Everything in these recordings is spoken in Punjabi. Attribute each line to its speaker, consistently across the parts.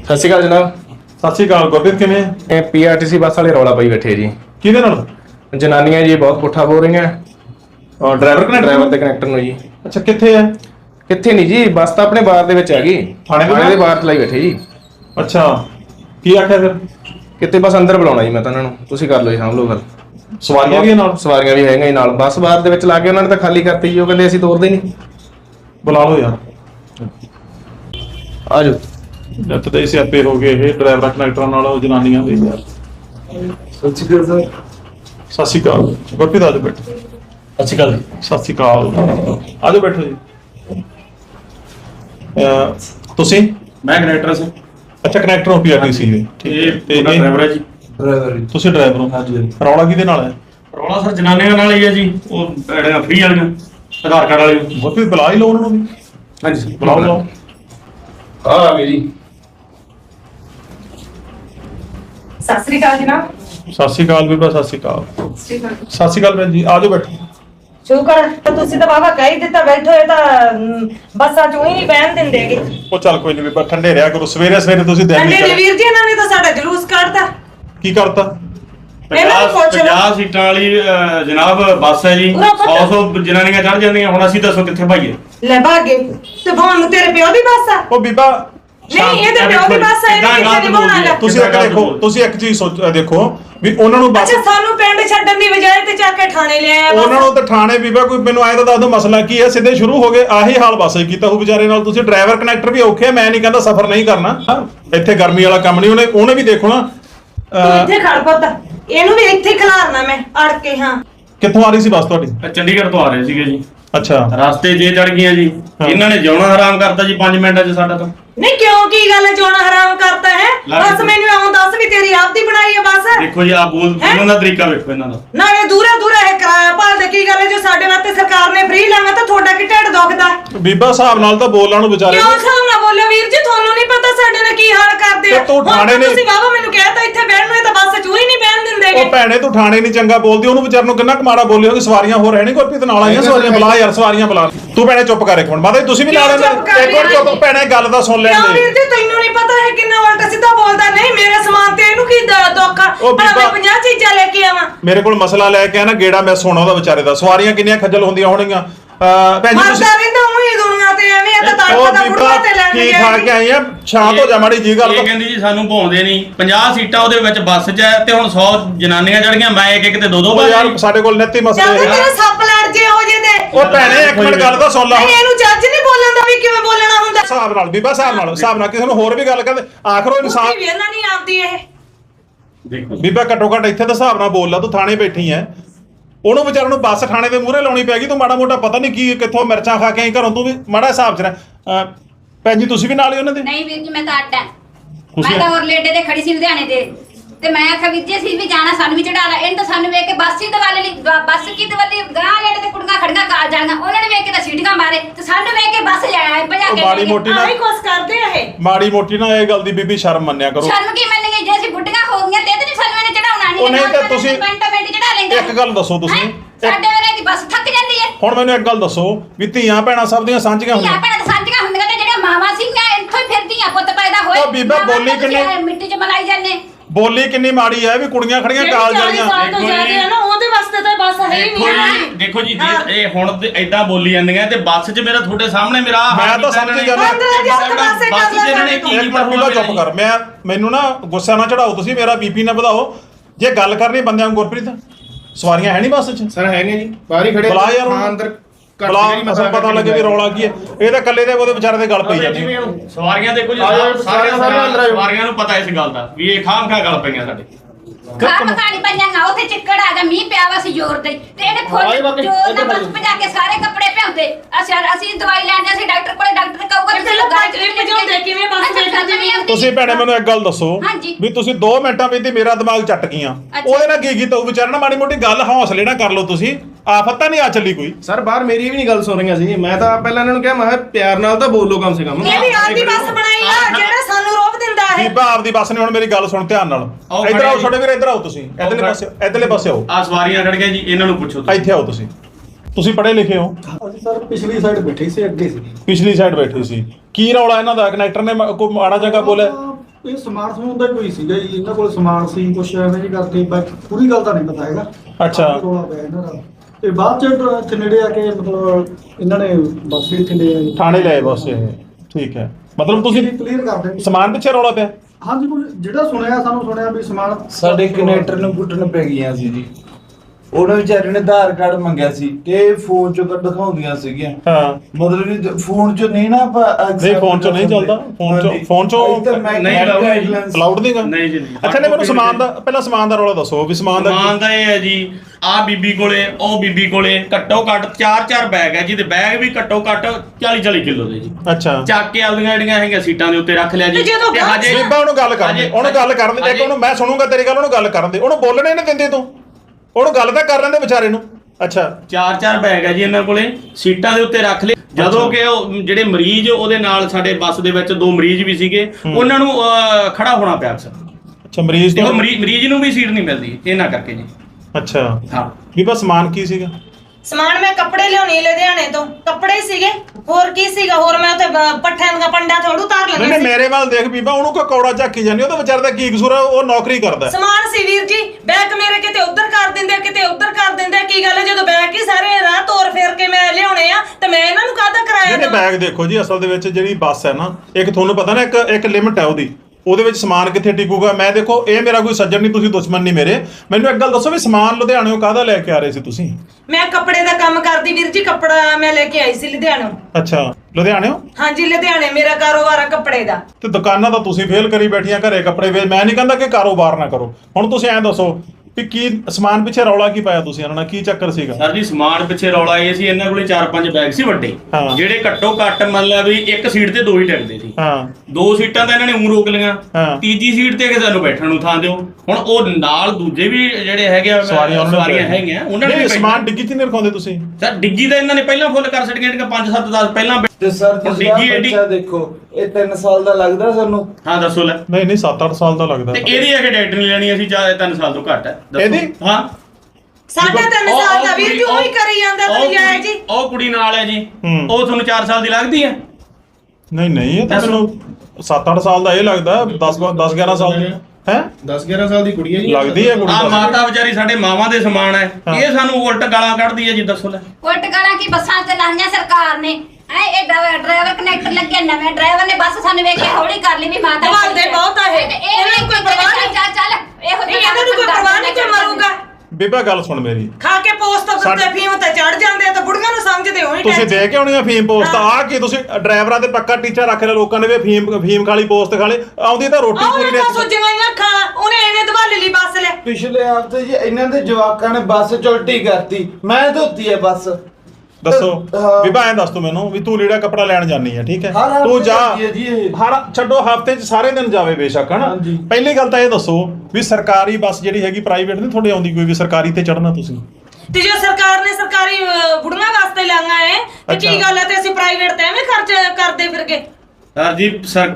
Speaker 1: ਸਤਿ ਸ਼੍ਰੀ ਅਕਾਲ ਜਨਾਬ।
Speaker 2: ਸਤਿ ਸ਼੍ਰੀ ਅਕਾਲ ਗੁਰਪ੍ਰੀਤ, ਕਿਵੇਂ?
Speaker 1: ਇਹ ਪੀਆਰਟੀਸੀ ਬੱਸ ਵਾਲੇ ਰੌਲਾ ਪਾਈ ਬੈਠੇ ਜੀ।
Speaker 2: ਕਿਹਦੇ ਨਾਲ?
Speaker 1: ਜਨਾਨੀਆਂ ਜੀ ਬਹੁਤ ਪੁੱਠਾ ਬੋਲ ਰਹੀਆਂ।
Speaker 2: ਡਰਾਈਵਰ
Speaker 1: ਤੇ ਕਨੈਕਟਰ ਨੂੰ ਜੀ।
Speaker 2: ਅੱਛਾ, ਕਿੱਥੇ ਹੈ?
Speaker 1: ਕਿੱਥੇ ਨਹੀਂ ਜੀ, ਬੱਸ ਤਾਂ ਆਪਣੇ ਬਾਰ ਦੇ ਵਿੱਚ ਹੈਗੀ।
Speaker 2: ਥਾਣੇ
Speaker 1: ਦੇ ਬਾਹਰ ਚਲਾਈ ਬੈਠੇ ਜੀ।
Speaker 2: ਅੱਛਾ, ਕੀ ਆਖਿਆ ਫਿਰ?
Speaker 1: ਕਿਤੇ ਬਸ ਅੰਦਰ ਬੁਲਾਉਣਾ ਜੀ ਮੈਂ ਤਾਂ ਇਹਨਾਂ ਨੂੰ। ਤੁਸੀਂ ਕਰ ਲਓ ਜੀ, ਸਾਂਭ ਲਓ ਗੱਲ।
Speaker 2: ਸਵਾਰੀਆਂ ਵੀ ਨਾਲ?
Speaker 1: ਸਵਾਰੀਆਂ ਵੀ ਹੈਗੀਆਂ ਜੀ ਨਾਲ। ਬੱਸ ਬਾਹਰ ਦੇ ਵਿੱਚ ਲਾ ਕੇ ਉਹਨਾਂ ਨੇ ਤਾਂ ਖਾਲੀ ਕਰਤੀ ਜੀ। ਉਹ ਕਹਿੰਦੇ ਅਸੀਂ ਤੋਰਦੇ ਨਹੀਂ।
Speaker 2: ਬੁਲਾ ਲਓ ਯਾਰ,
Speaker 1: ਆ ਜਾਓ।
Speaker 2: ਜਦ ਤੇ ਸਿਆਪੇ ਹੋ ਗਏ ਇਹ ਡਰਾਈਵਰਾਂ ਕਨੈਕਟਰਾਂ ਨਾਲ, ਜਨਾਨੀਆਂ ਦੇ ਯਾਰ।
Speaker 1: ਸਤਿ ਸ਼੍ਰੀ ਅਕਾਲ ਸਰ।
Speaker 2: ਸਤਿ ਸ਼੍ਰੀ ਅਕਾਲ ਗੁਰਪ੍ਰੀਤ, ਆ ਜਾਓ ਬੈਠੋ।
Speaker 1: ਸਤਿ ਸ਼੍ਰੀ ਅਕਾਲ ਜੀ।
Speaker 2: ਸਤਿ ਸ਼੍ਰੀ ਅਕਾਲ, ਆ ਜਾਓ ਬੈਠੋ ਜੀ। ਤੁਸੀਂ?
Speaker 3: ਮੈਂ ਕਨੈਕਟਰ ਸੀ।
Speaker 2: ਅੱਛਾ, ਕਨੈਕਟਰ ਹੋ ਪੀਆਰਟੀਸੀ ਦੇ।
Speaker 3: ਇਹ ਡਰਾਈਵਰ ਹੈ ਜੀ।
Speaker 1: ਡਰਾਈਵਰ ਜੀ।
Speaker 2: ਤੁਸੀਂ ਡਰਾਈਵਰ ਹੋ?
Speaker 1: ਹਾਂਜੀ।
Speaker 2: ਰੌਲਾ ਕਿਹਦੇ ਨਾਲ ਹੈ?
Speaker 3: ਰੌਲਾ ਸਰ ਜਨਾਨੀਆਂ ਨਾਲ ਹੀ ਹੈ ਜੀ। ਉਹ ਫ੍ਰੀ ਵਾਲੀਆਂ, ਆਧਾਰ ਕਾਰਡ ਵਾਲੀਆਂ।
Speaker 2: ਗੁਰਪ੍ਰੀਤ ਬੁਲਾ ਹੀ ਲਓ ਉਹਨਾਂ ਨੂੰ ਵੀ।
Speaker 1: ਹਾਂਜੀ ਸਰ,
Speaker 2: ਬੁਲਾਓ ਲਓ।
Speaker 1: ਆ ਗਏ ਜੀ।
Speaker 4: ਸਤਿ ਸ੍ਰੀ ਅਕਾਲ ਜਨਾਬ।
Speaker 2: ਸਤਿ ਸ਼੍ਰੀ ਅਕਾਲ ਬੀਬਾ, ਸਤਿ ਸ਼੍ਰੀ ਅਕਾਲ। ਸਤਿ ਸ਼੍ਰੀ ਅਕਾਲ ਭੈਣ ਜੀ, ਆ ਜਾਓ ਬੈਠੋ।
Speaker 4: ਸ਼ੁਕਰ ਤਾਂ ਤੁਸੀਂ ਤਾਂ ਬਾਬਾ ਕਹਿ ਹੀ ਦਿੱਤਾ ਬੈਠੋ। ਇਹ ਤਾਂ ਬੱਸਾਂ ਚੋਂ ਹੀ ਨਹੀਂ ਬਹਿਣ ਦਿੰਦੇਗੇ।
Speaker 2: ਉਹ ਚੱਲ ਕੋਈ ਨਹੀਂ ਬੀਬਾ, ਠੰਡੇ ਰਿਹਾ ਕਰੋ। ਸਵੇਰੇ ਸਵੇਰੇ ਤੁਸੀਂ ਦਿਨ
Speaker 4: ਅੰਡੇ
Speaker 2: ਨਹੀਂ
Speaker 4: ਵੀਰ ਜੀ, ਇਹਨਾਂ ਨੇ ਤਾਂ ਸਾਡਾ ਜਲੂਸ ਕੱਢਤਾ।
Speaker 2: ਕੀ ਕਰਤਾ?
Speaker 4: ਇਹਨਾਂ ਨੂੰ ਪੁੱਛ ਲਓ।
Speaker 3: 50 ਸੀਟਾਂ ਵਾਲੀ ਜਨਾਬ ਬੱਸ ਹੈ ਜੀ। 100 ਜਨਾਨੀਆਂ ਚੜ ਜਾਂਦੀਆਂ। ਹੁਣ ਅਸੀਂ ਦੱਸੋ ਕਿੱਥੇ ਭਾਈਏ?
Speaker 4: ਲੈ ਭਾਗੇ ਤੇ ਭਾਣ ਨੂੰ ਤੇਰੇ ਪਿਓ ਦੀ ਬੱਸ ਆ?
Speaker 2: ਉਹ ਬੀਬਾ
Speaker 4: ਨਹੀਂ, ਇਹਦੇ ਪਿਓ ਦੀ ਬੱਸ ਆ। ਇਹਨੇ ਕਿੱਥੇ ਨਹੀਂ ਬੋਲਣਾ।
Speaker 2: ਤੁਸੀਂ ਇੱਕ ਦੇਖੋ, ਤੁਸੀਂ ਇੱਕ ਚੀਜ਼ ਦੇਖੋ ਵੀ ਉਹਨਾਂ ਨੂੰ ਬੱਸ,
Speaker 4: ਅੱਛਾ, ਸਾਨੂੰ ਪਿੰਡ ਛੱਡਣ ਦੀ ਬਜਾਏ ਤੇ ਜਾ ਕੇ ਥਾਣੇ ਲੈ ਆਇਆ।
Speaker 2: ਉਹਨਾਂ ਨੂੰ ਤਾਂ ਥਾਣੇ ਬੀਬਾ ਕੋਈ ਮੈਨੂੰ ਆਇਆ ਤਾਂ ਦੱਸ ਦੋ ਮਸਲਾ ਕੀ ਹੈ। ਸਿੱਧੇ ਸ਼ੁਰੂ ਹੋ ਗਏ, ਆਹੀ ਹਾਲ ਬੱਸ ਕੀਤਾ ਉਹ ਵਿਚਾਰੇ ਨਾਲ। ਤੁਸੀਂ ਡਰਾਈਵਰ ਕਨੈਕਟਰ ਵੀ ਔਖੇ। ਮੈਂ ਨਹੀਂ ਕਹਿੰਦਾ ਸਫ਼ਰ ਨਹੀਂ ਕਰਨਾ, ਇੱਥੇ ਗਰਮੀ ਵਾਲਾ ਕੰਮ ਨਹੀਂ। ਉਹਨੇ ਵੀ ਦੇਖੋ ਨਾ।
Speaker 4: ਤੂੰ ਇੱਥੇ ਖੜ ਪੁੱਤ, ਇਹਨੂੰ ਵੀ ਇੱਥੇ ਖਿਲਾਰਨਾ ਮੈਂ ਅੜ ਕੇ। ਹਾਂ,
Speaker 2: ਕਿੱਥੋਂ ਆ ਰਹੀ ਸੀ ਬੱਸ ਤੁਹਾਡੀ?
Speaker 3: ਚੰਡੀਗੜ੍ਹ ਤੋਂ ਆ ਰਹੇ ਸੀਗੇ ਜੀ।
Speaker 2: ਅੱਛਾ,
Speaker 3: ਰਸਤੇ 'ਚ ਚੜ ਗਈਆਂ ਜੀ। ਇਹਨਾਂ ਨੇ ਜਿਉਣਾ ਹਰਾਮ ਕਰਤਾ ਜੀ 5 ਮਿੰਟਾਂ 'ਚ ਸਾਡਾ ਤਾਂ।
Speaker 4: ਨਹੀਂ ਕਿਉਂ, ਕੀ ਗੱਲ ਹੈ? ਜੋਣਾ ਹਰਾਮ ਕਰਤਾ ਹੈ? ਬਸ ਮੈਨੂੰ ਆਉਂ ਦੱਸ ਵੀ ਤੇਰੀ ਆਪਦੀ ਬਣਾਈ ਹੈ ਬੱਸ?
Speaker 3: ਦੇਖੋ ਜੀ, ਆ ਇਹਨਾਂ ਦਾ ਤਰੀਕਾ ਵੇਖੋ ਇਹਨਾਂ ਦਾ।
Speaker 4: ਨਾਲੇ ਦੂਰਾ ਇਹ ਕਿਰਾਇਆ ਭਾਲਦੇ। ਕੀ ਗੱਲ ਹੈ? ਜੋ ਸਾਡੇ ਵਾਸਤੇ ਸਰਕਾਰ ਨੇ ਫ੍ਰੀ ਲਾਵਾ ਤਾਂ ਤੁਹਾਡਾ ਕੀ ਢਿੱਡ ਦੁਖਦਾ?
Speaker 2: ਬੀਬਾ ਹਿਸਾਬ ਨਾਲ ਤਾਂ ਬੋਲਣ ਨੂੰ ਵਿਚਾਰੇ
Speaker 4: ਕਿਉਂ ਹਿਸਾਬ ਨਾਲ ਬੋਲੋ ਵੀਰ ਜੀ? ਤੁਹਾਨੂੰ ਨਹੀਂ ਪਤਾ ਸਾਡੇ ਨਾਲ ਕੀ ਹਾਲ ਕਰਦੇ ਆ?
Speaker 2: ਤੇ ਤੂੰ ਥਾਣੇ ਨੇ-
Speaker 4: ਤੁਸੀਂ ਬਾਬਾ ਮੈਨੂੰ ਕਹਿਤਾ ਇੱਥੇ ਬਹਿਣ ਨੂੰ, ਇਹ ਤਾਂ ਬੱਸ ਚੂਹੀ ਨਹੀਂ ਬਹਿਣ ਦਿੰਦੇਗੇ।
Speaker 2: ਉਹ ਭੈਣੇ ਤੂੰ ਥਾਣੇ ਨਹੀਂ ਚੰਗਾ ਬੋਲਦੀ। ਉਹਨੂੰ ਵਿਚਾਰ ਨੂੰ ਕਿੰਨਾ ਕਮਾੜਾ ਬੋਲੀ ਹੋਗੀ। ਸਵਾਰੀਆਂ ਹੋਰ ਹੈ ਨਹੀਂ ਗੁਰਪ੍ਰੀਤ ਨਾਲ ਆਈਆਂ ਸਵਾਰੀਆਂ। ਬੁਲਾ ਯਾਰ ਸਵਾਰੀਆਂ ਬੁਲਾ। ਤੂੰ ਭੈਣੇ ਚੁੱਪ ਕਰ ਇੱਕ ਮਿੰਟ। ਮਾਤਾ ਜੀ ਤੁਸੀਂ ਵੀ ਨਾਲ ਇੱਕ ਮਿੰਟ ਚੁੱਪ। ਭੈਣੇ ਗੱਲ ਤਾਂ ਸੁਣ ਲੈਣ
Speaker 4: ਕਿਉਂ
Speaker 2: ਦੇ।
Speaker 4: ਵੀਰ ਜੀ, ਤੈਨੂੰ ਨਹੀਂ ਪਤਾ ਹੈ ਕਿੰਨਾ ਉਲਟਾ ਸਿੱਧਾ ਬੋਲਦਾ? ਨਹੀਂ, ਮੇਰੇ ਸਮਾਨ ਤੇ ਇਹਨੂੰ ਕੀ ਦੁੱਖ ਆ?
Speaker 2: ਉਹ
Speaker 4: ਭਲਾ ਮੈਂ
Speaker 2: ਬੀਬਾ-
Speaker 4: 50 ਚੀਜ਼ਾਂ ਲੈ ਕੇ ਆਵਾਂ?
Speaker 2: ਮੇਰੇ ਕੋਲ ਮਸਲਾ ਲੈ ਕੇ ਆ ਨਾ ਗੇੜਾ, ਮੈਂ ਸੁਣਾ ਉਹਦਾ ਵਿਚਾਰੇ ਦਾ। ਸਵਾਰੀਆਂ ਕਿੰਨੀਆਂ ਖੱਜਲ ਹੁੰਦੀਆਂ ਹੋਣਗੀਆਂ। ਭੈਣ ਜੀ ਤੁਸੀਂ
Speaker 4: ਮਰਦਾ ਰਹਿੰਦਾ ਉਹੀ ਦੁਨੀਆ ਤੇ ਐਵੇਂ। ਇਹ ਤਾਂ ਤੜਕਾ ਦਾ ਬੁੜਵਾ ਤੇ ਲੈਣ
Speaker 2: ਕੀ
Speaker 4: ਗਿਆ
Speaker 2: ਖਾ ਕੇ ਆਈ ਆ? ਸ਼ਾਂਤ ਹੋ ਜਾ ਮਾੜੀ ਜੀ ਗੱਲ
Speaker 3: ਇਹ
Speaker 2: ਤਾਂ।
Speaker 3: ਕਹਿੰਦੀ ਜੀ ਸਾਨੂੰ ਭੌਂਦੇ ਨਹੀਂ। 50 ਸੀਟਾਂ ਉਹਦੇ ਵਿੱਚ ਬੱਸ 'ਚ ਹੈ ਤੇ ਹੁਣ 100 ਜਨਾਨੀਆਂ ਚੜ ਗਈਆਂ। ਮੈਂ ਇੱਕ ਤੇ ਦੋ
Speaker 2: ਉਹ ਯਾਰ ਸਾਡੇ ਕੋਲ ਨੈਤੀ ਮਸਲੇ
Speaker 4: ਚੱਲ
Speaker 2: ਇਹ
Speaker 4: ਤੇਰੇ ਸੱਪ ਲੜ ਜੇ ਹੋ ਜੇ ਤੇ।
Speaker 2: ਉਹ ਭੈਣੇ ਇੱਕ ਮਿੰਟ ਗੱਲ ਤਾਂ ਸੁਣ ਲਾ।
Speaker 4: ਨਹੀਂ, ਇਹਨੂੰ ਚੱਜ ਨਹੀਂ ਬੋਲਣ ਦਾ ਵੀ ਕਿਵੇਂ ਬੋਲਣਾ ਹੁੰਦਾ।
Speaker 2: ਹਿਸਾਬ ਨਾਲ ਬੀਬਾ, ਹਿਸਾਬ ਨਾਲ ਕਿਸੇ ਨੂੰ ਹੋਰ ਵੀ ਗੱਲ ਕਰਦੇ। ਆਖਰੋ ਇਨਸਾਨ
Speaker 4: ਵੀ ਇਹਨਾਂ ਨਹੀਂ ਆਉਂਦੀ ਇਹ।
Speaker 3: ਦੇਖੋ
Speaker 2: ਬੀਬਾ ਘੱਟੋ ਘੱਟ ਇੱਥੇ ਤਾਂ ਹਿਸਾਬ ਨਾਲ ਬੋਲ ਲਾ। ਤੂੰ ਥਾਣੇ ਬੈਠੀ ਐ, ਉਹਨੂੰ ਵਿਚਾਰ ਨੂੰ ਬੱਸ ਥਾਣੇ ਦੇ ਮੂਹਰੇ ਲਾਉਣੀ ਪੈ ਗਈ। ਤੂੰ ਮਾੜਾ ਮੋਟਾ ਪਤਾ ਨਹੀਂ ਕੀ ਕਿੱਥੋਂ ਮਿਰਚਾਂ ਖਾ ਕੇ ਆਈ ਘਰੋਂ। ਤੂੰ ਵੀ ਮਾੜਾ ਹਿਸਾਬ ਚ ਰਹਿ। ਭੈਣ ਜੀ ਤੁਸੀਂ ਵੀ ਨਾਲ ਹੀ ਉਹਨਾਂ ਦੇ?
Speaker 5: ਨਹੀਂ ਵੀਰ ਜੀ, ਮੈਂ ਤਾਂ ਅੱਡ ਹਾਂ। ਮੈਂ ਤਾਂ ਹੋਰ ਲੇਡੇ ਤੇ ਖੜੀ ਸੀ ਲੁਧਿਆਣੇ ਤੇ ਮੈਂ ਆਖਿਆ ਵੀਰ ਜੀ ਅਸੀਂ ਵੀ ਜਾਣਾ, ਸਾਨੂੰ ਵੀ ਚੜਾ ਲਾ। ਇਹਨੂੰ ਤਾਂ ਸਾਨੂੰ ਵੇਖ ਕੇ ਬੱਸ ਹੀ ਦਵਾ ਲਈ। ਬੱਸ ਕੀ ਦਵਾਲੀ? ਗਾਂ ਲੇਡੇ ਤੇ ਕੁੜੀਆਂ ਖੜੀਆਂ ਕਾਲ ਜਾਣੀਆਂ। ਉਹਨਾਂ ਨੇ ਵੇਖ ਕੇ ਤਾਂ ਸੀਟੀਆਂ ਮਾਰੇ ਤੇ ਸਾਨੂੰ ਵੇਖ ਕੇ ਬੱਸ ਜਾਇਆ ਭਜਾ ਕੇ।
Speaker 2: ਮਾੜੀ ਮੋਟੀ ਨਾ
Speaker 4: ਆਹੀ ਕੁਛ ਕਰਦੇ ਆ ਇਹ।
Speaker 2: ਮਾੜੀ ਮੋਟੀ ਨਾ ਇਹ ਗੱਲ ਦੀ ਬੀਬੀ ਸ਼ਰਮ ਮੰਨਿਆ ਕਰੋ।
Speaker 5: ਸ਼ਰਮ ਕੀ ਮੰਨਗੇ? ਜੇ ਅਸੀਂ ਬੁੱਢੀਆਂ ਹੋ ਗਈਆਂ ਤੇ ਨਹੀਂ ਸਾਨੂੰ ਇਹਨੇ ਚੜਾਉਣਾ ਨਹੀਂ।
Speaker 2: ਉਹ ਨਹੀਂ ਤਾਂ ਤੁਸੀਂ
Speaker 5: ਮਿੰਟ ਚੜਾ ਲੈਂਦੇ।
Speaker 2: ਇੱਕ ਗੱਲ ਦੱਸੋ ਤੁਸੀਂ।
Speaker 5: ਸਾਡੇ ਵੇਲੇ ਦੀ ਬੱਸ ਥੱਕ ਜਾਂਦੀ ਹੈ।
Speaker 2: ਹੁਣ ਮੈਨੂੰ ਇੱਕ ਗੱਲ ਦੱਸੋ ਵੀ ਧੀਆਂ ਭੈਣਾਂ ਸਭ ਦੀਆਂ ਸਾਂਝੀਆਂ
Speaker 5: ਧੀਆਂ
Speaker 2: ਹੁੰਦੀਆਂ।
Speaker 5: ਭੈਣਾਂ ਤਾਂ ਸਾਂਝੀਆਂ ਹੁੰਦੀਆਂ ਤੇ ਜਿਹੜੀਆਂ ਮਾਵਾਂ ਸੀਗੀਆਂ ਇੱਥੋਂ ਹੀ ਫਿਰਦੀਆਂ ਪੁੱਤ ਪੈਦਾ ਹੋਏ।
Speaker 2: ਉਹ ਬੀਬਾ
Speaker 5: ਮਾਵਾਂ
Speaker 2: ਬੋਲੀ
Speaker 5: ਤਾਂ ਤੁਸੀਂ
Speaker 2: ਕਿੰਨੀ-
Speaker 5: ਮਿੱਟੀ 'ਚ ਮਲਾਈ ਜਾਂਦੇ।
Speaker 2: ਬੋਲੀ ਕਿੰਨੀ ਮਾੜੀ ਐ ਵੀ ਕੁੜੀਆਂ ਖੜੀਆਂ ਕਾਲ ਜਾਣੀਆਂ।
Speaker 4: ਤੋਂ ਜ਼ਿਆਦਾ ਹੈ ਨਾ, ਉਹਦੇ ਵਾਸਤੇ ਤਾਂ ਬੱਸ ਹੈ ਹੀ ਨਹੀਂ।
Speaker 3: ਦੇਖੋ ਜੀ ਜੇ ਇਹ ਹੁਣ ਏਦਾਂ ਬੋਲੀ ਜਾਂਦੀਆਂ ਤੇ ਬੱਸ 'ਚ ਮੇਰਾ ਤੁਹਾਡੇ ਸਾਹਮਣੇ ਮੇਰਾ
Speaker 2: ਮੈਂ ਤਾਂ ਸਮਝ ਗਿਆ।
Speaker 3: ਬੱਸ 'ਚ ਇਹਨਾਂ ਨੇ ਕੀ
Speaker 2: ਇੱਕ ਮਿੰਟ ਬੀਬਾ ਚੁੱਪ ਕਰ। ਮੈਨੂੰ ਨਾ ਗੁੱਸਾ ਨਾ ਚੜਾਓ ਤੁਸੀਂ, ਮੇਰਾ ਬੀਪੀ ਨਾ ਵਧਾਓ। ਜੇ ਗੱਲ ਕਰਨੀ ਬੰਦਿਆਂ ਨੂੰ ਗੁਰਪ੍ਰੀਤ, ਸਵਾਰੀਆਂ ਹੈ ਨਹੀਂ ਬੱਸ 'ਚ?
Speaker 1: ਸਰ ਹੈਗੇ ਜੀ, ਬਾਹਰ ਹੀ ਖੜੇ।
Speaker 2: ਬੁਲਾ ਯਾਰ
Speaker 1: ਹਾਂ ਅੰਦਰ
Speaker 2: ਬੁਲਾ, ਅਸਾਂ ਪਤਾ ਲੱਗੇ ਵੀ ਰੌਲਾ ਕੀ ਹੈ। ਇਹ ਤਾਂ ਇਕੱਲੇ ਦੇ ਉਹਦੇ ਵਿਚਾਰੇ ਦੇ ਗੱਲ ਪਈ ਜਾਂਦੀ।
Speaker 3: ਸਵਾਰੀਆਂ ਦੇਖੋ ਜੀ, ਸਵਾਰੀਆਂ ਨੂੰ ਪਤਾ ਇਸ ਗੱਲ ਦਾ ਵੀ ਇਹ ਖਾਮ ਖਾ ਗੱਲ ਪਈਆਂ ਸਾਡੇ।
Speaker 5: ਖਾਮ ਖਾਣੀ ਪੰਜਾਂ ਉੱਥੇ ਚਿੱਕੜ ਆ ਗਿਆ, ਮੀਂਹ ਪਿਆ ਵਾ ਸੀ ਜ਼ੋਰ ਤੇ ਇਹਨੇ ਫੁੱਲ ਜੋਰ ਨਾਲ ਬੱਸ ਭਜਾ ਕੇ ਸਾਰੇ ਕੱਪੜੇ ਭਿਉਂਦੇ। ਅਸੀਂ ਦਵਾਈ ਲੈਣ ਜਾਂਦੇ ਸੀ ਡਾਕਟਰ ਕੋਲੇ। ਡਾਕਟਰ ਕਹੂਗਾ
Speaker 4: ਚਲੋ ਬਾਜਰੀ ਭਜਾਉਂਦੇ ਕਿਵੇਂ ਬੱਸ ਭੇਜਦੇ?
Speaker 2: ਤੁਸੀਂ ਭੈਣੇ ਮੈਨੂੰ ਇੱਕ ਗੱਲ ਦੱਸੋ ਵੀ ਤੁਸੀਂ 2 ਮਿੰਟਾਂ ਵਿੱਚ ਮੇਰਾ ਦਿਮਾਗ ਚੱਟ ਗਈਆਂ। ਉਹਦੇ ਨਾਲ ਕੀ ਕੀਤਾ ਉਹ ਵਿਚਾਰਾ ਨਾ? ਮਾੜੀ ਮੋਟੀ ਗੱਲ ਹੌਸਲੇ ਨਾਲ ਕਰ ਲਓ ਤੁਸੀਂ। ਆਫਤ ਤਾਂ ਨਹੀਂ ਆ ਚੱਲੀ ਕੋਈ?
Speaker 1: ਸਰ ਬਾਹਰ ਮੇਰੀ ਵੀ ਨਹੀਂ ਗੱਲ ਸੁਣ ਰਹੀਆਂ ਸੀ। ਮੈਂ ਤਾਂ ਪਹਿਲਾਂ ਇਹਨਾਂ ਨੂੰ ਕਿਹਾ, ਮੈਂ ਪਿਆਰ ਨਾਲ ਤਾਂ ਬੋਲੋ ਕਮ ਸੇ ਕਮ।
Speaker 4: ਇਹ ਵੀ ਆਪਦੀ ਬੱਸ ਬਣਾਈ ਆ ਜਿਹੜਾ ਸਾਨੂੰ ਰੋਕ ਦਿੰਦਾ ਹੈ।
Speaker 2: ਬੀਬਾ ਆਪਦੀ ਬੱਸ ਨੇ। ਹੁਣ ਮੇਰੀ ਗੱਲ ਸੁਣ ਧਿਆਨ ਨਾਲ। ਇੱਧਰ ਆਓ ਛੋਟੇ ਵੀਰ, ਇੱਧਰ ਆਓ ਤੁਸੀਂ। ਇੱਧਰਲੇ ਪਾਸੇ ਆਓ।
Speaker 3: ਆ ਸਵਾਰੀਆਂ ਖੜ ਗਈਆਂ ਜੀ, ਇਹਨਾਂ ਨੂੰ ਪੁੱਛੋ
Speaker 2: ਇੱਥੇ ਆਓ ਤੁਸੀਂ। ਤੁਸੀਂ ਪੜ੍ਹੇ ਲਿਖੇ ਹੋ?
Speaker 6: ਅਸੀਂ ਸਰ ਪਿਛਲੀ ਸਾਈਡ ਬੈਠੇ ਸੀ, ਅੱਗੇ ਸੀ।
Speaker 2: ਪਿਛਲੀ ਸਾਈਡ ਬੈਠੇ ਸੀ। ਕੀ ਰੌਲਾ ਇਹਨਾਂ ਦਾ? ਕਨੈਕਟਰ ਨੇ ਕੋਈ ਮਾੜਾ ਚੰਗਾ ਬੋਲਿਆ?
Speaker 6: ਇਹ ਸਮਾਨ ਸਮੂਨ ਦਾ ਕੋਈ ਸੀਗਾ ਜੀ, ਇਹਨਾਂ ਕੋਲ ਸਮਾਨ ਸੀ ਕੁਛ ਐਵੇਂ ਜੀ ਕਰਕੇ, ਬਾਕੀ ਪੂਰੀ ਗੱਲ ਤਾਂ ਨਹੀਂ ਪਤਾ ਹੈਗਾ।
Speaker 2: ਅੱਛਾ।
Speaker 6: ਰੌਲਾ ਪਿਆ ਇਹਨਾਂ ਦਾ ਤੇ ਬਾਅਦ ਚ ਇੱਥੇ ਨੇੜੇ ਆ ਕੇ ਮਤਲਬ ਇਹਨਾਂ ਨੇ ਬੱਸ ਇੱਥੇ ਲੈ ਆਈ
Speaker 2: ਥਾਣੇ ਲਏ ਬਸ ਇਹ। ਠੀਕ ਹੈ, ਮਤਲਬ ਤੁਸੀਂ
Speaker 6: ਕਲੀਅਰ ਕਰ ਦੇ।
Speaker 2: ਸਮਾਨ ਪਿੱਛੇ ਰੌਲਾ ਪਿਆ?
Speaker 6: ਹਾਂਜੀ ਕੋਈ ਜਿਹੜਾ ਸੁਣਿਆ ਸਾਨੂੰ ਸੁਣਿਆ ਵੀ ਸਮਾਨ
Speaker 7: ਸਾਡੇ ਕਨੈਕਟਰ ਨੂੰ ਕੁੱਟਣ ਪੈ ਗਈਆਂ ਸੀ ਜੀ। ਉਹਨੇ ਵਿਚਾਰੇ ਨੇ ਆਧਾਰ ਕਾਰਡ ਮੰਗਿਆ ਸੀ ਤੇ ਫੋਨ ਚੋਂ ਕੱਢ ਦਿਖਾਉਂਦੀਆਂ ਸੀਗੀਆਂ।
Speaker 2: ਹਾਂ,
Speaker 7: ਮਤਲਬ ਵੀ ਫੋਨ ਚੋਂ ਨਹੀਂ ਨਾ
Speaker 2: ਨਹੀਂ ਫੋਨ ਚੋਂ ਨਹੀਂ ਚੱਲਦਾ, ਫੋਨ ਚੋਂ
Speaker 3: ਨਹੀਂ
Speaker 2: ਅਲਾਉਡ ਨਹੀਂਗਾ।
Speaker 3: ਨਹੀਂ ਜੀ, ਨਹੀਂ।
Speaker 2: ਅੱਛਾ, ਨਹੀਂ ਮੈਨੂੰ ਸਮਾਨ ਦਾ ਪਹਿਲਾਂ ਸਮਾਨ ਦਾ ਰੌਲਾ ਦੱਸੋ ਵੀ ਸਮਾਨ ਦਾ
Speaker 3: ਸਮਾਨ ਦਾ ਇਹ ਹੈ ਜੀ, ਆਹ ਬੀਬੀ ਕੋਲੇ ਉਹ ਬੀਬੀ ਕੋਲੇ ਘੱਟੋ ਘੱਟ 4 ਬੈਗ ਹੈ ਜੀ, ਤੇ ਬੈਗ ਵੀ ਘੱਟੋ ਘੱਟ 40 ਕਿਲੋ ਦੇ ਜੀ।
Speaker 2: ਅੱਛਾ,
Speaker 3: ਚੱਕ ਕੇ ਆਪਦੀਆਂ ਜਿਹੜੀਆਂ ਹੈਗੀਆਂ ਸੀਟਾਂ ਦੇ ਉੱਤੇ ਰੱਖ ਲਿਆ ਜੀ।
Speaker 4: ਤੇ ਜਦੋਂ
Speaker 3: ਤੇ ਹਜੇ
Speaker 2: ਬੀਬਾ ਉਹਨੂੰ ਗੱਲ ਕਰਨ ਦੇ, ਉਹਨੂੰ ਗੱਲ ਕਰਨ ਦੇ, ਉਹਨੂੰ ਮੈਂ ਸੁਣੂਗਾ ਤੇਰੀ ਗੱਲ, ਉਹਨੂੰ ਗੱਲ ਕਰਨ ਦੇ, ਉਹਨੂੰ ਬੋਲਣੇ ਨਹੀਂ ਦਿੰਦੇ ਤੂੰ, ਉਹਨੂੰ ਗੱਲ ਤਾਂ ਕਰ ਲੈਂਦੇ ਵਿਚਾਰੇ ਨੂੰ। ਅੱਛਾ,
Speaker 3: 4 ਬੈਗ ਹੈ ਜੀ ਇਹਨਾਂ ਕੋਲੇ, ਸੀਟਾਂ ਦੇ ਉੱਤੇ ਰੱਖ ਲਏ। ਜਦੋਂ ਕਿ ਉਹ ਜਿਹੜੇ ਮਰੀਜ਼ ਉਹਦੇ ਨਾਲ ਸਾਡੇ ਬੱਸ ਦੇ ਵਿੱਚ 2 ਮਰੀਜ਼ ਵੀ ਸੀਗੇ, ਉਹਨਾਂ ਨੂੰ ਖੜਾ ਹੋਣਾ ਪਿਆ ਅਕਸਰ।
Speaker 2: ਅੱਛਾ, ਮਰੀਜ਼
Speaker 3: ਦੇਖੋ
Speaker 2: ਤੋਂ
Speaker 3: ਮਰੀਜ਼ ਨੂੰ ਵੀ ਸੀਟ ਨਹੀਂ ਮਿਲਦੀ ਇਹਨਾਂ ਕਰਕੇ ਜੀ।
Speaker 2: ਅੱਛਾ,
Speaker 3: ਹਾਂ,
Speaker 2: ਬੀਬਾ ਸਮਾਨ ਕੀ ਸੀਗਾ?
Speaker 4: ਸਮਾਨ ਮੈਂ ਕੱਪੜੇ ਲਿਆਉਣੀ ਲੁਧਿਆਣੇ ਤੋਂ, ਕੱਪੜੇ ਸੀਗੇ, ਹੋਰ ਕੀ ਸੀਗਾ, ਹੋਰ ਮੈਂ ਉੱਥੇ ਪੱਠਿਆਂ ਦੀਆਂ ਪੰਡਾ ਥੋੜੂ ਉਤਾਰ
Speaker 2: ਨਹੀਂ
Speaker 4: ਲੈਣਾ ਸੀ।
Speaker 2: ਮੇਰੇ ਵੱਲ ਦੇਖ ਬੀਬਾ, ਉਹਨੂੰ ਕੋਈ ਕੌੜਾ ਝਾਕੀ ਜਾਂਦੀ, ਉਹਦਾ ਵਿਚਾਰੇ ਦਾ ਕੀ ਕਸੂਰ ਆ? ਉਹ ਨੌਕਰੀ ਕਰਦਾ।
Speaker 4: ਸਮਾਨ ਸੀ ਵੀਰ ਜੀ, ਬੈਗ ਮੇਰੇ ਕਿਤੇ ਉੱਧਰ ਕਰ ਦਿੰਦੇ, ਕਿਤੇ ਉੱਧਰ ਕਰ ਦਿੰਦੇ, ਕੀ ਗੱਲ ਹੈ? ਜਦੋਂ ਬੈਗ ਹੀ ਸਾਰੇ ਰਾਹ ਤੋਰ ਫੇਰ ਕੇ ਮੈਂ ਲਿਆਉਣੇ ਆ ਤੇ ਮੈਂ ਇਹਨਾਂ ਨੂੰ ਕਾਹਦਾ ਕਰਾਇਆ
Speaker 2: ਨਹੀਂ, ਬੈਗ ਦੇਖੋ ਜੀ, ਅਸਲ ਦੇ ਵਿੱਚ ਜਿਹੜੀ ਬੱਸ ਹੈ ਨਾ, ਇੱਕ ਤੁਹਾਨੂੰ ਪਤਾ ਨਾ ਇੱਕ ਲਿਮਟ ਹੈ ਉਹਦੀ, ਉਹਦੇ ਵਿੱਚ ਸਮਾਨ ਕਿੱਥੇ ਟਿਕੂਗਾ। ਮੈਂ ਦੇਖੋ, ਇਹ ਮੇਰਾ ਕੋਈ ਸੱਜਣ ਨਹੀਂ, ਤੁਸੀਂ ਦੁਸ਼ਮਣ ਨਹੀਂ ਮੇਰੇ। ਮੈਨੂੰ ਇੱਕ ਗੱਲ ਦੱਸੋ ਵੀ ਸਮਾਨ ਲੁਧਿਆਣਿਓਂ ਕਾਹਦਾ ਲੈ ਕੇ ਆ ਰਹੇ ਸੀ ਤੁਸੀਂ?
Speaker 4: ਮੈਂ ਕੱਪੜੇ ਦਾ ਕੰਮ ਕਰਦੀ ਵੀਰ ਜੀ, ਕੱਪੜਾ ਮੈਂ ਲੈ ਕੇ ਆਈ ਸੀ ਲੁਧਿਆਣੋਂ।
Speaker 2: ਅੱਛਾ, ਲੁਧਿਆਣਿਓਂ?
Speaker 4: ਹਾਂਜੀ, ਲੁਧਿਆਣੇ ਮੇਰਾ ਕਾਰੋਬਾਰ ਆ ਕੱਪੜੇ ਦਾ।
Speaker 2: ਤੇ ਦੁਕਾਨਾਂ ਤਾਂ ਤੁਸੀਂ ਫੇਲ ਕਰੀ ਬੈਠੀਆਂ, ਘਰੇ ਕੱਪੜੇ ਵੇਚ। ਮੈਂ ਨਹੀਂ ਕਹਿੰਦਾ ਕਿ ਕਾਰੋਬਾਰ ਨਾ ਕਰੋ। ਹੁਣ ਤੁਸੀਂ ਐਂ ਦੱਸੋ ਵੀ ਕੀ ਸਮਾਨ ਪਿੱਛੇ ਰੌਲਾ ਕੀ ਪਾਇਆ ਤੁਸੀਂ ਇਹਨਾਂ ਨਾਲ? ਕੀ ਚੱਕਰ ਸੀਗਾ?
Speaker 3: ਸਰ ਜੀ, ਸਮਾਨ ਪਿੱਛੇ ਰੌਲਾ ਇਹ ਸੀ, ਇਹਨਾਂ ਕੋਲੇ 4-5 ਬੈਗ ਸੀ ਵੱਡੇ,
Speaker 2: ਹਾਂ।
Speaker 3: ਜਿਹੜੇ ਘੱਟੋ ਘੱਟ ਮਤਲਬ ਵੀ ਇੱਕ ਸੀਟ ਤੇ 2 ਹੀ ਟਿਕਦੇ ਸੀ।
Speaker 2: ਹਾਂ,
Speaker 3: 2 ਸੀਟਾਂ ਤਾਂ ਇਹਨਾਂ ਨੇ ਊਂ ਰੋਕ ਲਈਆਂ,
Speaker 2: ਹਾਂ।
Speaker 3: ਤੀਜੀ ਸੀਟ ਤੇ ਕਿ ਸਾਨੂੰ ਬੈਠਣ ਨੂੰ ਥਾਂ ਦਿਓ। ਹੁਣ ਉਹ ਨਾਲ ਦੂਜੇ ਵੀ ਜਿਹੜੇ ਹੈਗੇ ਆ
Speaker 2: ਸਵਾਰੀਆਂ
Speaker 3: ਹੈਗੀਆਂ, ਉਹਨਾਂ ਨੇ ਵੀ
Speaker 2: ਸਮਾਨ ਡਿੱਗੀ 'ਚ ਨਹੀਂ ਰਖਾਉਂਦੇ ਤੁਸੀਂ?
Speaker 3: ਸਰ ਡਿੱਗੀ ਤਾਂ ਇਹਨਾਂ ਨੇ ਪਹਿਲਾਂ ਫੁੱਲ ਕਰ ਛੱਡੀਆਂ, ਜਿਹੜੀਆਂ 5-7-10 ਪਹਿਲਾਂ
Speaker 7: ਤੇ ਸਰ
Speaker 3: ਹੁਣ
Speaker 7: ਤੁਸੀਂ ਆਹ
Speaker 3: ਡਿੱਗੀ ਐਡੀ।
Speaker 7: ਬੱਚਾ ਦੇਖੋ, ਇਹ 3 ਸਾਲ ਦਾ ਲੱਗਦਾ ਸਾਨੂੰ।
Speaker 3: ਹਾਂ ਦੱਸੋ ਲੈ।
Speaker 2: ਨਹੀਂ 7-8 ਸਾਲ ਦਾ ਲੱਗਦਾ।
Speaker 3: ਤੇ ਇਹਦੀ ਅਗੇ ਡੇਟ ਨਹੀਂ ਲੈਣੀ ਅਸੀਂ, 3 ਸਾਲ ਤੋਂ ਘੱਟ ਹੈ। ਦੱਸੋ।
Speaker 2: ਇਹਦੀ?
Speaker 3: ਹਾਂ,
Speaker 4: ਸਾਢੇ 3 ਸਾਲ ਦਾ ਵੀਰ ਜੀ ਉਹੀ ਕਰੀ ਜਾਂਦਾ ਤੁਸੀਂ ਆਏ ਜੀ।
Speaker 3: ਉਹ ਕੁੜੀ ਨਾਲ ਹੈ ਜੀ, ਉਹ ਤੁਹਾਨੂੰ 4 ਸਾਲ ਦੀ ਲੱਗਦੀ ਹੈ?
Speaker 2: ਨਹੀਂ ਇਹ ਤਾਂ ਮੈਨੂੰ 7-8 ਸਾਲ ਦਾ ਇਹ ਲੱਗਦਾ, 10-11 ਸਾਲ ਦੀ ਹੈ।
Speaker 1: 10-11 ਸਾਲ ਦੀ ਕੁੜੀ ਹੈ ਜੀ।
Speaker 2: ਲੱਗਦੀ ਹੈ ਕੁੜੀ
Speaker 3: ਆ
Speaker 2: ਤਾਂ।
Speaker 3: ਮਾਤਾ ਵਿਚਾਰੀ ਸਾਡੇ ਮਾਵਾਂ ਦੇ ਸਮਾਨ ਹੈ, ਇਹ ਸਾਨੂੰ ਉਲਟ ਗਾਲਾਂ ਕੱਢਦੀ ਹੈ ਜੀ। ਦੱਸੋ ਲੈ।
Speaker 5: ਉਲਟ ਗਾਲਾਂ ਕੀ ਬੱਸਾਂ ਤੇ ਲਾਈਆਂ ਸਰਕਾਰ ਨੇ? ਇਹ ਡਰਾਈਵਰ ਕਨੈਕਟਰ ਲੱਗੇ, ਨਵੇਂ ਡਰਾਈਵਰ ਨੇ ਬੱਸ ਸਾਨੂੰ ਵੇਖ ਕੇ ਹੌਲੀ ਕਰ ਲਈ ਵੀ ਮਾਤਾ
Speaker 4: ਦਵਾਉਂਦੇ ਬਹੁਤ ਆ ਇਹ।
Speaker 5: ਇਹਨਾਂ ਨੂੰ ਕੋਈ ਪਰਵਾਹ ਨਹੀਂ। ਚੱਲ ਇਹੋ
Speaker 4: ਨਹੀਂ, ਇਹਨਾਂ ਨੂੰ ਕੋਈ ਪਰਵਾਹ ਨਹੀਂ ਕਿ ਮਰੂਗਾ।
Speaker 2: ਬੀਬਾ ਗੱਲ ਸੁਣ ਮੇਰੀ,
Speaker 4: ਖਾ ਕੇ ਪੋਸਟ ਉੱਤੇ ਫੀਮ ਤੇ ਚੜ ਜਾਂਦੇ ਆ ਤਾਂ ਬੁੜੀਆਂ ਨੂੰ ਸਮਝਦੇ ਹੋਈ
Speaker 2: ਤੁਸੀਂ ਦੇ ਕੇ ਆਉਣੀ ਆ ਫੀਮ ਪੋਸਟ? ਆ ਕੀ ਤੁਸੀਂ ਡਰਾਈਵਰਾਂ ਤੇ ਪੱਕਾ ਟੀਚਾ ਰੱਖ ਲਿਆ ਲੋਕਾਂ ਨੇ ਵੀ ਫੀਮ ਖਾਲੀ ਪੋਸਟ ਖਾਲੇ? ਆਉਂਦੀ ਤਾਂ ਰੋਟੀ ਪੂਰੀ
Speaker 4: ਉਹਨੇ ਤਾਂ ਸੁੱਜੀਆਂ ਖਾਣਾ, ਉਹਨੇ ਐਵੇਂ ਦਵਾਲ ਲਈ ਬੱਸ ਲੈ।
Speaker 7: ਪਿਛਲੇ ਹਫ਼ਤੇ ਜੀ ਇਹਨਾਂ ਦੇ ਜਵਾਕਾਂ ਨੇ ਬੱਸ ਚ ਉਲਟੀ ਕਰਤੀ, ਮੈਂ ਧੋਤੀ ਹੈ ਬੱਸ।
Speaker 2: ਦੱਸੋ
Speaker 7: ਹਾਂ।
Speaker 2: ਬੀਬਾ ਐਂ ਦੱਸ ਤੂੰ ਮੈਨੂੰ ਵੀ ਤੂੰ ਲੀੜਾ ਕੱਪੜਾ ਲੈਣ ਜਾਨੀ ਹੈ, ਠੀਕ ਹੈ?
Speaker 7: ਹਰ ਹਫ਼ਤੇ
Speaker 2: ਤੂੰ ਜਾ,
Speaker 7: ਜਾਂਦੀ ਹੈ ਜੀ ਇਹ।
Speaker 2: ਹਰ ਛੱਡੋ ਹਫਤੇ 'ਚ ਸਾਰੇ ਦਿਨ ਜਾਵੇ ਬੇਸ਼ੱਕ, ਹਨਾ।
Speaker 7: ਹਾਂਜੀ।
Speaker 2: ਪਹਿਲੀ ਗੱਲ ਤਾਂ ਇਹ ਦੱਸੋ ਵੀ ਸਰਕਾਰੀ ਬੱਸ ਜਿਹੜੀ ਹੈਗੀ ਪ੍ਰਾਈਵੇਟ ਨਹੀਂ ਤੁਹਾਡੇ ਆਉਂਦੀ ਕੋਈ ਵੀ? ਸਰਕਾਰੀ ਤੇ ਚੜਨਾ ਤੁਸੀਂ?
Speaker 4: ਤੇ ਜੋ ਸਰਕਾਰ ਨੇ ਸਰਕਾਰੀ ਬੁੜੀਆਂ ਵਾਸਤੇ ਲਾਂਗਾ ਹੈ ਤੇ ਕੀ
Speaker 2: ਅੱਛਾ।
Speaker 4: ਗੱਲ ਹੈ? ਤੇ ਅਸੀਂ ਪ੍ਰਾਈਵੇਟ ਤੇ ਐਵੇਂ ਖਰਚ ਕਰਦੇ ਫਿਰਗੇ।
Speaker 3: ਸਰ ਜੀ,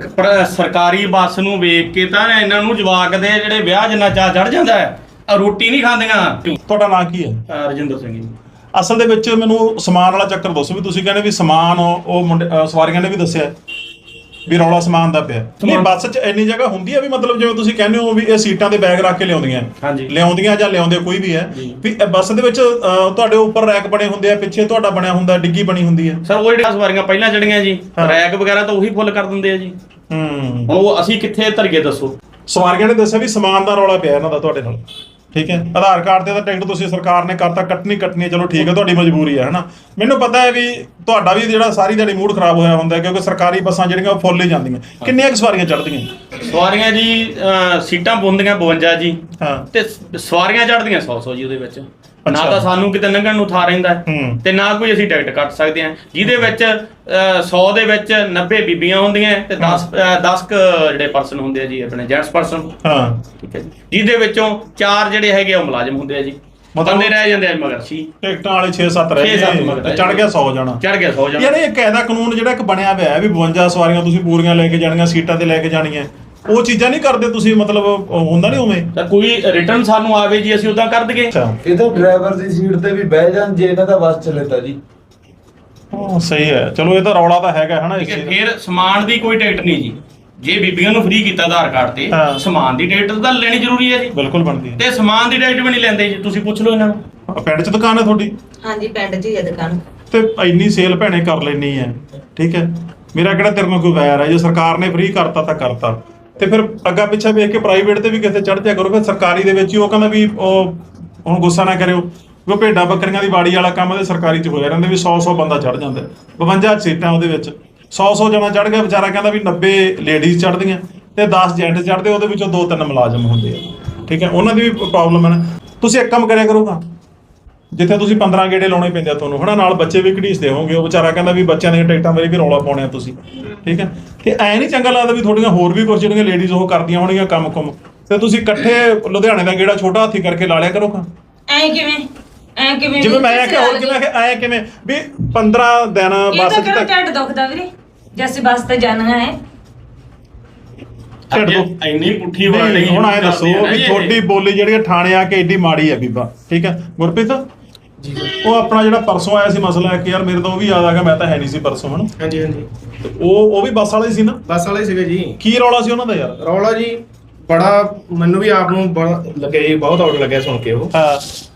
Speaker 3: ਸਰਕਾਰੀ ਬੱਸ ਨੂੰ ਵੇਖ ਕੇ ਤਾਂ ਇਹਨਾਂ ਨੂੰ ਜਵਾਕ ਦੇ ਜਿਹੜੇ ਵਿਆਹ ਜਿੰਨਾ ਚਾਹ ਚੜ ਜਾਂਦਾ ਹੈ, ਰੋਟੀ ਨਹੀਂ ਖਾਂਦੀਆਂ।
Speaker 2: ਤੁਹਾਡਾ ਨਾਂ ਕੀ ਹੈ?
Speaker 3: ਰਜਿੰਦਰ ਸਿੰਘ ਜੀ।
Speaker 2: ਅਸਲ ਦੇ ਵਿੱਚ ਮੈਨੂੰ ਸਮਾਨ ਵਾਲਾ ਚੱਕਰ ਦੱਸੋ ਵੀ ਤੁਸੀਂ ਕਹਿੰਦੇ ਵੀ ਸਮਾਨ ਉਹ ਮੁੰਡੇ ਸਵਾਰੀਆਂ ਨੇ ਵੀ ਦੱਸਿਆ ਵੀ ਰੌਲਾ ਸਮਾਨ ਦਾ ਪਿਆ। ਨਹੀਂ, ਬੱਸ 'ਚ ਇੰਨੀ ਜਗ੍ਹਾ ਹੁੰਦੀ ਹੈ ਵੀ ਮਤਲਬ ਜਿਵੇਂ ਤੁਸੀਂ ਕਹਿੰਦੇ ਹੋ ਵੀ ਇਹ ਸੀਟਾਂ ਤੇ ਬੈਗ ਰੱਖ ਕੇ ਲਿਆਉਂਦੀਆਂ,
Speaker 3: ਹਾਂਜੀ।
Speaker 2: ਲਿਆਉਂਦੀਆਂ ਜਾਂ ਲਿਆਉਂਦੇ ਕੋਈ ਵੀ ਹੈ, ਵੀ ਬੱਸ ਦੇ ਵਿੱਚ ਤੁਹਾਡੇ ਉੱਪਰ ਰੈਕ ਬਣੇ ਹੁੰਦੇ ਆ, ਪਿੱਛੇ ਤੁਹਾਡਾ ਬਣਿਆ ਹੁੰਦਾ, ਡਿੱਗੀ ਬਣੀ ਹੁੰਦੀ ਹੈ।
Speaker 3: ਸਰ ਉਹ ਜਿਹੜੀਆਂ ਸਵਾਰੀਆਂ ਪਹਿਲਾਂ ਚੜੀਆਂ ਜੀ, ਰੈਕ ਵਗੈਰਾ ਤਾਂ ਉਹੀ ਫੁੱਲ ਕਰ ਦਿੰਦੇ ਆ ਜੀ। ਹੁਣ ਉਹ ਅਸੀਂ ਕਿੱਥੇ ਧਰੀਏ ਦੱਸੋ?
Speaker 2: ਸਵਾਰੀਆਂ ਨੇ ਦੱਸਿਆ ਵੀ ਸਮਾਨ ਦਾ ਰੌਲਾ ਪਿਆ ਇਹਨਾਂ ਦਾ ਤੁਹਾਡੇ ਨਾਲ, ਠੀਕ ਹੈ? ਆਧਾਰ ਕਾਰਡ ਤੇ ਤਾਂ ਟਿਕਟ ਤੁਸੀਂ ਸਰਕਾਰ ਨੇ ਕਰਤਾ, ਕੱਟਣੀ ਹੈ, ਚਲੋ ਠੀਕ ਹੈ, ਤੁਹਾਡੀ ਮਜਬੂਰੀ ਹੈ, ਹਨਾ। ਮੈਨੂੰ ਪਤਾ ਹੈ ਵੀ ਤੁਹਾਡਾ ਵੀ ਜਿਹੜਾ ਸਾਰੀ ਦਿਹਾੜੀ ਮੂਡ ਖਰਾਬ ਹੋਇਆ ਹੁੰਦਾ, ਕਿਉਂਕਿ ਸਰਕਾਰੀ ਬੱਸਾਂ ਜਿਹੜੀਆਂ ਉਹ ਫੁੱਲ ਹੀ ਜਾਂਦੀਆਂ। ਕਿੰਨੀਆਂ ਕੁ ਸਵਾਰੀਆਂ ਚੜ੍ਹਦੀਆਂ?
Speaker 3: ਸਵਾਰੀਆਂ ਜੀ ਸੀਟਾਂ ਪੁੰਦੀਆਂ 52 ਜੀ,
Speaker 2: ਹਾਂ।
Speaker 3: ਤੇ ਸਵਾਰੀਆਂ ਚੜ੍ਹਦੀਆਂ 100 ਜੀ ਉਹਦੇ ਵਿੱਚ। ਨਾ
Speaker 2: ਅੱਛਾ।
Speaker 3: ਤਾਂ ਸਾਨੂੰ ਕਿਤੇ ਲੰਘਣ ਨੂੰ ਥਾਂ ਰਹਿੰਦਾ ਤੇ ਨਾ ਕੋਈ ਅਸੀਂ ਟਿਕਟ ਕੱਟ ਸਕਦੇ ਹਾਂ, ਜਿਹਦੇ ਵਿੱਚ 100 ਦੇ ਵਿੱਚ 90 ਬੀਬੀਆਂ ਹੁੰਦੀਆਂ ਤੇ 10 ਜਿਹੜੇ ਪਰਸਨ ਹੁੰਦੇ ਆ ਜੀ, ਆਪਣੇ ਜੈਂਟਸ ਪਰਸਨ।
Speaker 2: ਹਾਂ,
Speaker 3: ਠੀਕ ਹੈ ਜੀ, ਜਿਹਦੇ ਵਿੱਚੋਂ 4 ਜਿਹੜੇ ਹੈਗੇ ਉਹ ਮੁਲਾਜ਼ਮ ਹੁੰਦੇ ਆ ਜੀ। ਬੰਦੇ ਰਹਿ ਜਾਂਦੇ ਆ ਮਗਰ ਸੀ
Speaker 2: ਟਿਕਟਾਂ ਵਾਲੇ 6-7 ਰਹਿ
Speaker 3: 6-7
Speaker 2: ਗਏ
Speaker 3: ਮਗਰ
Speaker 2: ਤੇ ਚੜ ਗਿਆ 100 ਜਾਣਾ।
Speaker 3: ਚੜ ਗਿਆ 100 ਜਾਣਾ।
Speaker 2: ਯਾਰ ਇਹ ਕਾਇਦਾ ਕਾਨੂੰਨ ਜਿਹੜਾ ਇੱਕ ਬਣਿਆ ਹੋਇਆ ਹੈ ਵੀ 52 ਸਵਾਰੀਆਂ ਤੁਸੀਂ ਪੂਰੀਆਂ ਲੈ ਕੇ ਜਾਣੀਆਂ, ਸੀਟਾਂ ਤੇ ਲੈ ਕੇ ਜਾਣੀਆਂ, ਉਹ ਚੀਜ਼ਾਂ ਨਹੀਂ ਕਰਦੇ ਤੁਸੀਂ? ਮਤਲਬ ਹੁੰਦਾ ਨਹੀਂ ਉਵੇਂ?
Speaker 3: ਤਾਂ ਕੋਈ ਰਿਟਰਨ ਸਾਨੂੰ ਆਵੇ ਜੀ, ਅਸੀਂ ਉਦਾਂ ਕਰ ਦਈਏ।
Speaker 2: ਅੱਛਾ,
Speaker 7: ਇਹ ਤਾਂ ਡਰਾਈਵਰ ਦੀ ਸੀਟ ਤੇ ਵੀ ਬਹਿ ਜਾਣ ਜੇ ਇਹਨਾਂ ਦਾ ਬੱਸ ਚੱਲੇ ਤਾਂ ਜੀ।
Speaker 2: ਹਾਂ ਸਹੀ ਹੈ। ਚਲੋ ਇਹ ਤਾਂ ਰੌਲਾ ਤਾਂ ਹੈਗਾ, ਹਨਾ। ਇਸ
Speaker 3: ਫਿਰ ਸਮਾਨ ਦੀ ਕੋਈ ਟਿਕਟ ਨਹੀਂ ਜੀ, ਜੇ ਬੀਬੀਆਂ ਨੂੰ ਫ੍ਰੀ ਕੀਤਾ ਆਧਾਰ ਕਾਰਡ ਤੇ
Speaker 2: ਹਾਂ।
Speaker 3: ਸਮਾਨ ਦੀ ਟਿਕਟ ਤਾਂ ਲੈਣੀ ਜ਼ਰੂਰੀ ਹੈ ਜੀ।
Speaker 2: ਬਿਲਕੁਲ ਬਣਦੀ ਹੈ।
Speaker 3: ਤੇ ਸਮਾਨ ਦੀ ਟਿਕਟ ਵੀ ਨਹੀਂ ਲੈਂਦੇ ਜੀ, ਤੁਸੀਂ ਪੁੱਛ ਲਓ ਇਹਨਾਂ ਨੂੰ।
Speaker 2: ਪਿੰਡ 'ਚ ਦੁਕਾਨ ਹੈ ਤੁਹਾਡੀ
Speaker 4: ਹਾਂਜੀ ਪਿੰਡ 'ਚ ਹੀ ਹੈ ਦੁਕਾਨ।
Speaker 2: ਤੇ ਇੰਨੀ ਸੇਲ ਭੈਣੇ ਕਰ ਲੈਣੀ ਹੈ, ਠੀਕ ਹੈ। ਮੇਰਾ ਕਿਹੜਾ ਤੇਰੇ ਨਾਲ ਕੋਈ ਵੈਰ ਹੈ, ਜੇ ਸਰਕਾਰ ਨੇ ਫ੍ਰੀ ਕਰਤਾ ਤਾਂ ਕਰਤਾ, ਤੇ ਫਿਰ ਅੱਗਾ ਪਿੱਛਾ ਵੇਖ ਕੇ ਪ੍ਰਾਈਵੇਟ ਤੇ ਵੀ ਕਿਤੇ ਚੜ ਜਾ ਕਰੋ। ਫਿਰ ਸਰਕਾਰੀ ਦੇ ਵਿੱਚ ਹੀ ਉਹ ਕਹਿੰਦਾ ਵੀ ਉਹ ਹੁਣ ਗੁੱਸਾ ਨਾ ਕਰਿਓ, ਉਹ ਭੇਡਾਂ ਬੱਕਰੀਆਂ ਦੀ ਬਾੜੀ ਵਾਲਾ ਕੰਮ ਤੇ ਸਰਕਾਰੀ 'ਚ ਹੋਇਆ ਰਹਿੰਦਾ ਵੀ 100 ਬੰਦਾ ਚੜ ਜਾਂਦਾ, 52 ਸੀਟਾਂ ਉਹਦੇ ਵਿੱਚ 100 ਜਣਾ ਚੜ ਗਿਆ, ਵਿਚਾਰਾ ਕਹਿੰਦਾ ਵੀ 90 ਲੇਡੀਜ਼ ਚੜਦੀਆਂ ਤੇ 10 ਜੈਂਟ ਚੜਦੇ, ਉਹਦੇ ਵਿੱਚੋਂ 2-3 ਮੁਲਾਜ਼ਮ ਹੁੰਦੇ ਆ, ਠੀਕ ਹੈ। ਉਹਨਾਂ ਦੀ ਵੀ ਪ੍ਰੋਬਲਮ ਹੈ ਨਾ। ਤੁਸੀਂ ਇੱਕ ਕੰਮ ਕਰਿਆ ਕਰੋਗਾ, ਜਿੱਥੇ ਤੁਸੀਂ 15 ਗੇੜੇ ਲਾਉਣੇ ਪੈਂਦੇ ਆ ਤੁਹਾਨੂੰ ਹਨਾ, ਨਾਲ ਬੱਚੇ ਵੀ ਘੜੀਸਦੇ ਹੋਵੋਗੇ, ਉਹ ਵਿਚਾਰਾ ਕਹਿੰਦਾ ਵੀ ਬੱਚਿਆਂ ਦੀਆਂ ਟਿਕਟਾਂ ਬਾਰੇ ਵੀ ਰੌਲਾ ਪਾਉਣੇ ਆ ਤੁਸੀਂ, ਠੀਕ ਹੈ। ਤੇ ਐ ਨਹੀਂ ਚੰਗਾ ਲੱਗਦਾ ਵੀ ਤੁਹਾਡੀਆਂ ਹੋਰ ਵੀ ਕੁਝ ਜਿਹੜੀਆਂ ਲੇਡੀਜ਼ ਉਹ ਕਰਦੀਆਂ ਹੋਣਗੀਆਂ ਕੰਮ ਤੇ ਤੁਸੀਂ ਇਕੱਠੇ ਲੁਧਿਆਣੇ ਦਾ ਗੇੜਾ ਛੋਟਾ ਹਾਥੀ ਕਰਕੇ ਲਾ ਲਿਆ ਕਰੋਗਾ।
Speaker 4: ਐ ਕਿਵੇਂ
Speaker 2: ਜਿਵੇਂ ਮੈਂ ਕਿਹਾ ਹੋਰ ਕਿਵੇਂ ਐ ਕਿਵੇਂ ਵੀ 15 ਦਿਨ
Speaker 4: ਇਹ
Speaker 2: ਬੱਸ
Speaker 4: ਤਾਂ
Speaker 2: 'ਚ
Speaker 4: ਕਿਹੜਾ
Speaker 2: ਤੱਕ
Speaker 4: ਢੱਡ ਦੁਖਦਾ ਵੀਰੇ, ਜੈਸੇ ਬੱਸ ਤੇ ਜਾਣਾ ਹੈ।
Speaker 2: ਛੱਡ ਦਿਓ।
Speaker 3: ਇੰਨੀ ਪੁੱਠੀ
Speaker 2: ਨਹੀਂ,
Speaker 3: ਵਰਡ
Speaker 2: ਹੁਣ ਐ ਦੱਸੋ ਵੀ ਤੁਹਾਡੀ ਬੋਲੀ ਜਿਹੜੀ ਥਾਣੇ ਆ ਕੇ ਏਡੀ ਮਾੜੀ ਆ ਬੀਬਾ, ਠੀਕ ਹੈ। ਗੁਰਪ੍ਰੀਤ
Speaker 1: ਜੀ
Speaker 2: ਉਹ ਆਪਣਾ ਜਿਹੜਾ ਪਰਸੋਂ ਆਇਆ ਸੀ ਮਸਲਾ ਕਿ ਯਾਰ ਮੇਰੇ ਤਾਂ ਉਹ ਵੀ ਯਾਦ ਆ ਗਿਆ, ਮੈਂ ਤਾਂ ਹੈ ਨਹੀਂ ਸੀ ਪਰਸੋਂ ਹਨਾ,
Speaker 1: ਹਾਂਜੀ ਹਾਂਜੀ
Speaker 2: ਤੇ ਉਹ ਵੀ ਬੱਸ ਵਾਲਾ ਹੀ ਸੀ ਨਾ।
Speaker 1: ਬੱਸ ਵਾਲੇ ਸੀਗੇ ਜੀ।
Speaker 2: ਕੀ ਰੌਲਾ ਸੀ ਉਹਨਾਂ ਦਾ ਯਾਰ?
Speaker 1: ਰੌਲਾ ਜੀ ਬੜਾ ਮੈਨੂੰ ਵੀ ਆਪ ਨੂੰ ਬੜਾ ਲੱਗਿਆ ਜੀ, ਬਹੁਤ ਆਊਟ ਲੱਗਿਆ ਸੁਣ ਕੇ। ਉਹ
Speaker 2: ਹਾਂ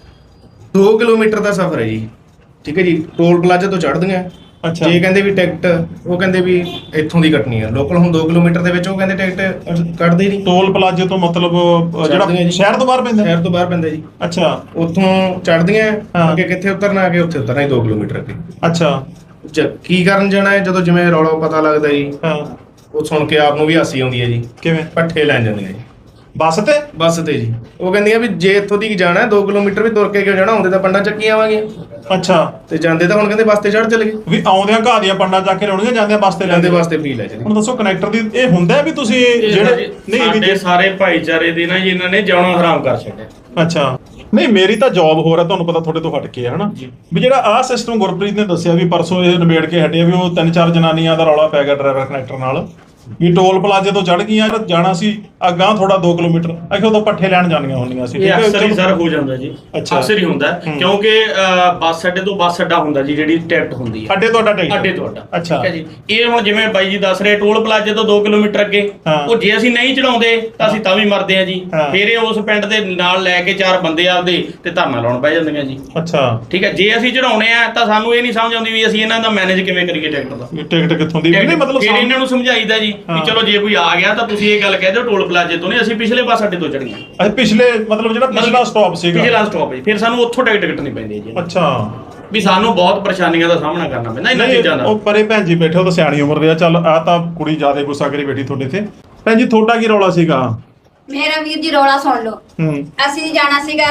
Speaker 1: 2 ਕਿਲੋਮੀਟਰ ਦਾ ਸਫ਼ਰ ਹੈ ਜੀ, ਠੀਕ ਹੈ ਜੀ। ਟੋਲ ਪਲਾਜ਼ਾ ਤੋਂ ਚੜ੍ਹਦੀਆਂ,
Speaker 2: ਅੱਛਾ।
Speaker 1: ਜੇ ਕਹਿੰਦੇ ਵੀ ਟਿਕਟ ਉਹ ਕਹਿੰਦੇ ਵੀ ਇੱਥੋਂ ਦੀ ਕੱਟਣੀ ਹੈ ਲੋਕਲ, ਹੁਣ 2 ਕਿਲੋਮੀਟਰ ਦੇ ਵਿੱਚ ਉਹ ਕਹਿੰਦੇ ਟਿਕਟ ਕੱਟਦੇ ਨਹੀਂ।
Speaker 2: ਟੋਲ ਪਲਾਜ਼ੇ ਤੋਂ ਮਤਲਬ
Speaker 1: ਚੜ੍ਹਦੀਆਂ
Speaker 2: ਜਿਹੜਾ
Speaker 1: ਜੀ।
Speaker 2: ਸ਼ਹਿਰ ਤੋਂ ਬਾਹਰ ਪੈਂਦਾ?
Speaker 1: ਸ਼ਹਿਰ ਤੋਂ ਬਾਹਰ ਪੈਂਦਾ ਜੀ।
Speaker 2: ਅੱਛਾ
Speaker 1: ਉੱਥੋਂ ਚੜ੍ਹਦੀਆਂ,
Speaker 2: ਹਾਂ।
Speaker 1: ਅੱਗੇ ਕਿੱਥੇ ਉਤਰਨਾ, ਅੱਗੇ ਉੱਥੇ ਉਤਰਨਾ ਹੀ 2 ਕਿਲੋਮੀਟਰ ਅੱਗੇ।
Speaker 2: ਅੱਛਾ
Speaker 1: ਕੀ ਕਰਨ ਜਾਣਾ ਹੈ, ਜਦੋਂ ਜਿਵੇਂ ਰੌਲਾ ਪਤਾ ਲੱਗਦਾ ਜੀ,
Speaker 2: ਹਾਂ
Speaker 1: ਉਹ ਸੁਣ ਕੇ ਆਪ ਨੂੰ ਵੀ ਹਾਸੀ ਆਉਂਦੀ ਹੈ ਜੀ।
Speaker 2: ਕਿਵੇਂ?
Speaker 1: ਪੱਠੇ ਲੈਣ ਜਾਂਦੀਆਂ ਜੀ
Speaker 2: ਬੱਸ ਤੇ?
Speaker 1: ਬੱਸ ਤੇ ਜੀ। ਉਹ ਕਹਿੰਦੀਆਂ ਵੀ ਜੇ ਇੱਥੋਂ ਦੀ ਜਾਣਾ 2 ਕਿਲੋਮੀਟਰ ਵੀ ਤੁਰ ਕੇ ਕਿਉਂ ਜਾਣਾ, ਹੁੰਦੇ ਤਾਂ ਪੰਡਾ ਚੱਕੀ ਆਵਾਂਗੇ,
Speaker 2: ਅੱਛਾ।
Speaker 1: ਤੇ ਜਾਂਦੇ ਤਾਂ ਹੁਣ ਕਹਿੰਦੇ ਬੱਸ ਤੇ ਚੜ੍ਹ ਚਲੇ ਗਏ।
Speaker 2: ਵੀ ਆਉਂਦਿਆਂ ਘਾਹ ਦੀਆਂ ਪੰਡਾਂ ਚੱਕ ਕੇ ਲਾਉਣੀਆਂ, ਜਾਂਦਿਆਂ ਬੱਸ ਤੇ
Speaker 1: ਜਾਂਦੇ
Speaker 2: ਲੈਂਦੇ
Speaker 1: ਵਾਸਤੇ ਫ੍ਰੀ ਲੈ ਜੀ।
Speaker 2: ਹੁਣ ਦੱਸੋ ਕਨੈਕਟਰ ਦੀ ਇਹ ਹੁੰਦਾ ਵੀ ਤੁਸੀਂ ਜਿਹੜੇ ਨਹੀਂ ਵੀ
Speaker 3: ਸਾਡੇ ਸਾਰੇ ਭਾਈਚਾਰੇ ਦੇ ਨਾ ਜੀ ਇਹਨਾਂ ਨੇ ਜਿਉਣਾ ਹਰਾਮ ਕਰ ਛੱਡਿਆ।
Speaker 2: ਅੱਛਾ ਨਹੀਂ ਮੇਰੀ ਤਾਂ ਜੌਬ ਹੋਰ ਹੈ, ਤੁਹਾਨੂੰ ਪਤਾ ਤੁਹਾਡੇ ਤੋਂ ਹਟ ਕੇ ਹੈ ਹਨਾ, ਵੀ ਜਿਹੜਾ ਆਹ ਸਿਸਟਮ ਗੁਰਪ੍ਰੀਤ ਨੇ ਦੱਸਿਆ ਵੀ ਪਰਸੋਂ ਇਹ ਨਿਬੇੜ ਕੇ ਹਟਿਆ ਵੀ ਉਹ 3-4 ਜਨਾਨੀਆਂ ਦਾ ਰੌਲਾ ਪੈ ਗਿਆ ਡਰਾਈਵਰ ਕਨੈਕਟਰ ਨਾਲ, ਵੀ ਟੋਲ ਪਲਾਜ਼ੇ ਤੋਂ ਚੜ ਗਈਆਂ, ਜਾਣਾ ਸੀ ਅੱਗਾਂ ਥੋੜਾ 2 ਕਿਲੋਮੀਟਰ, ਅਖੇ ਉਦੋਂ ਪੱਠੇ ਲੈਣ ਜਾਣੀਆਂ ਹੁੰਦੀਆਂ ਸੀ,
Speaker 3: ਇਹ ਅਕਸਰ ਹੀ ਸਰ ਹੋ ਜਾਂਦਾ ਜੀ।
Speaker 2: ਅੱਛਾ।
Speaker 3: ਅਕਸਰ ਹੀ ਹੁੰਦਾ ਕਿਉਂਕਿ ਬੱਸ ਅੱਡੇ ਤੋਂ ਬੱਸ ਅੱਡਾ ਹੁੰਦਾ ਜੀ, ਜਿਹੜੀ ਟਿਕਟ ਹੁੰਦੀ ਹੈ
Speaker 2: ਅੱਡੇ ਤੁਹਾਡਾ ਟਿਕਟ?
Speaker 3: ਅੱਡੇ ਤੁਹਾਡਾ।
Speaker 2: ਅੱਛਾ।
Speaker 3: ਠੀਕ ਹੈ ਜੀ। ਇਹ ਹੁਣ ਜਿਵੇਂ ਬਾਈ ਜੀ ਦੱਸ ਰਹੇ ਟੋਲ ਪਲਾਜ਼ੇ ਤੋਂ 2 ਕਿਲੋਮੀਟਰ ਅੱਗੇ,
Speaker 2: ਹਾਂ।
Speaker 3: ਉਹ ਜੇ ਅਸੀਂ ਨਹੀਂ ਚੜਾਉਂਦੇ ਤਾਂ ਅਸੀਂ ਤਾਂ ਵੀ ਮਰਦੇ ਆ ਜੀ।
Speaker 2: ਹਾਂ।
Speaker 3: ਫਿਰ ਇਹ ਉਸ ਪਿੰਡ ਦੇ ਨਾਲ ਲੈ ਕੇ 4 ਬੰਦੇ ਆਪਦੇ ਤੇ ਧਰਨਾ ਲਾਉਣ ਪੈ ਜਾਂਦੀਆਂ ਜੀ।
Speaker 2: ਅੱਛਾ।
Speaker 3: ਠੀਕ ਹੈ। ਜੇ ਅਸੀਂ ਚੜਾਉਣੇ ਆ ਤਾਂ ਸਾਨੂੰ ਇਹ ਨਹੀਂ ਸਮਝ ਆਉਂਦੀ ਵੀ ਅਸੀਂ ਇਹਨਾਂ ਦਾ ਮੈਨੇਜ ਕਿਵੇਂ ਕਰੀਏ ਟਿਕਟ ਦਾ।
Speaker 2: ਇਹ ਟਿਕਟ ਕਿੱਥੋਂ ਦੀ? ਨਹੀਂ ਮਤਲਬ
Speaker 3: ਫਿਰ ਇਹਨਾਂ ਨੂੰ ਸਮਝਾਈਦਾ ਜੀ
Speaker 2: ਹਾਂ।
Speaker 3: ਵੀ ਚਲੋ ਜੇ ਕੋਈ ਆ ਗਿਆ ਤਾਂ ਤੁਸੀਂ ਇਹ ਗੱਲ ਕਹਿ ਦਿਓ ਟੋਲ ਪਲਾਜ਼ੇ ਤੋਂ ਨਹੀਂ, ਅਸੀਂ ਪਿਛਲੇ ਬੱਸ ਅੱਡੇ ਤੋਂ ਚੜੀਆਂ।
Speaker 2: ਅੱਛਾ ਪਿਛਲੇ ਮਤਲਬ ਜਿਹੜਾ ਪਿਛਲਾ ਸਟਾਪ ਸੀਗਾ,
Speaker 3: ਪਿਛਲਾ ਸਟਾਪ ਹੈ, ਫਿਰ ਸਾਨੂੰ ਉੱਥੋਂ ਟਿਕਟ ਕੱਟਣੀ ਪੈਂਦੀ ਹੈ ਜੀ।
Speaker 2: ਅੱਛਾ।
Speaker 3: ਵੀ ਸਾਨੂੰ ਬਹੁਤ ਪਰੇਸ਼ਾਨੀਆਂ ਦਾ ਸਾਹਮਣਾ ਕਰਨਾ ਪੈਂਦਾ ਇਹਨਾਂ ਚੀਜ਼ਾਂ ਦਾ।
Speaker 2: ਉਹ ਪਰੇ ਭੈਣ ਜੀ ਬੈਠੇ, ਉਹ ਤਾਂ ਸਿਆਣੀ ਉਮਰ ਦੇ ਆ, ਚੱਲ ਆ ਤਾਂ ਕੁੜੀ ਜ਼ਿਆਦਾ ਗੁੱਸਾ ਕਰੀ ਬੈਠੀ ਤੁਹਾਡੇ ਤੇ। ਭੈਣ ਜੀ ਤੁਹਾਡਾ ਕੀ ਰੌਲਾ ਸੀਗਾ?
Speaker 5: ਮੇਰਾ ਵੀਰ ਜੀ ਰੌਲਾ ਸੁਣ ਲਓ। ਅਸੀਂ ਜਾਣਾ ਸੀਗਾ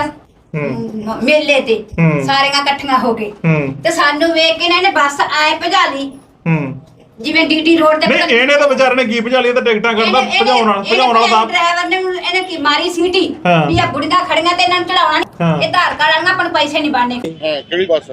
Speaker 5: ਮੇਲੇ ਤੇ, ਸਾਰੀਆਂ ਇਕੱਠੀਆਂ ਹੋ ਕੇ, ਤੇ ਸਾਨੂੰ ਵੇਖ ਕੇ ਇਹਨੇ ਬੱਸ ਆਏ ਭਜਾ ਲਈ, ਜਿਵੇਂ ਡੀਟੀ ਰੋਡ ਤੇ।
Speaker 2: ਨਹੀਂ ਇਹਨੇ ਤਾਂ ਵਿਚਾਰੇ ਨੇ ਕੀ ਭਜਾ ਲਈ, ਤਾਂ ਟਿਕਟਾਂ ਕਰਦਾ ਭਜਾਉਣ ਵਾਲਾ ਤਾਂ
Speaker 5: ਡਰਾਈਵਰ ਨੇ ਇਹਨੇ ਕੀ ਮਾਰੀ ਸੀਟੀ ਵੀ ਆ ਬੁੜੀਆਂ ਖੜੀਆਂ ਤੇ ਇਹਨਾਂ ਨੂੰ ਚੜਾਉਣਾ ਨਹੀਂ, ਇਹ ਆਧਾਰ ਕਾਰਡ ਵਾਲੀਆਂ ਆਪਾਂ ਨੂੰ ਪੈਸੇ ਨਹੀਂ ਬਣਨੇ।
Speaker 8: ਕਿਹੜੀ ਬੱਸ?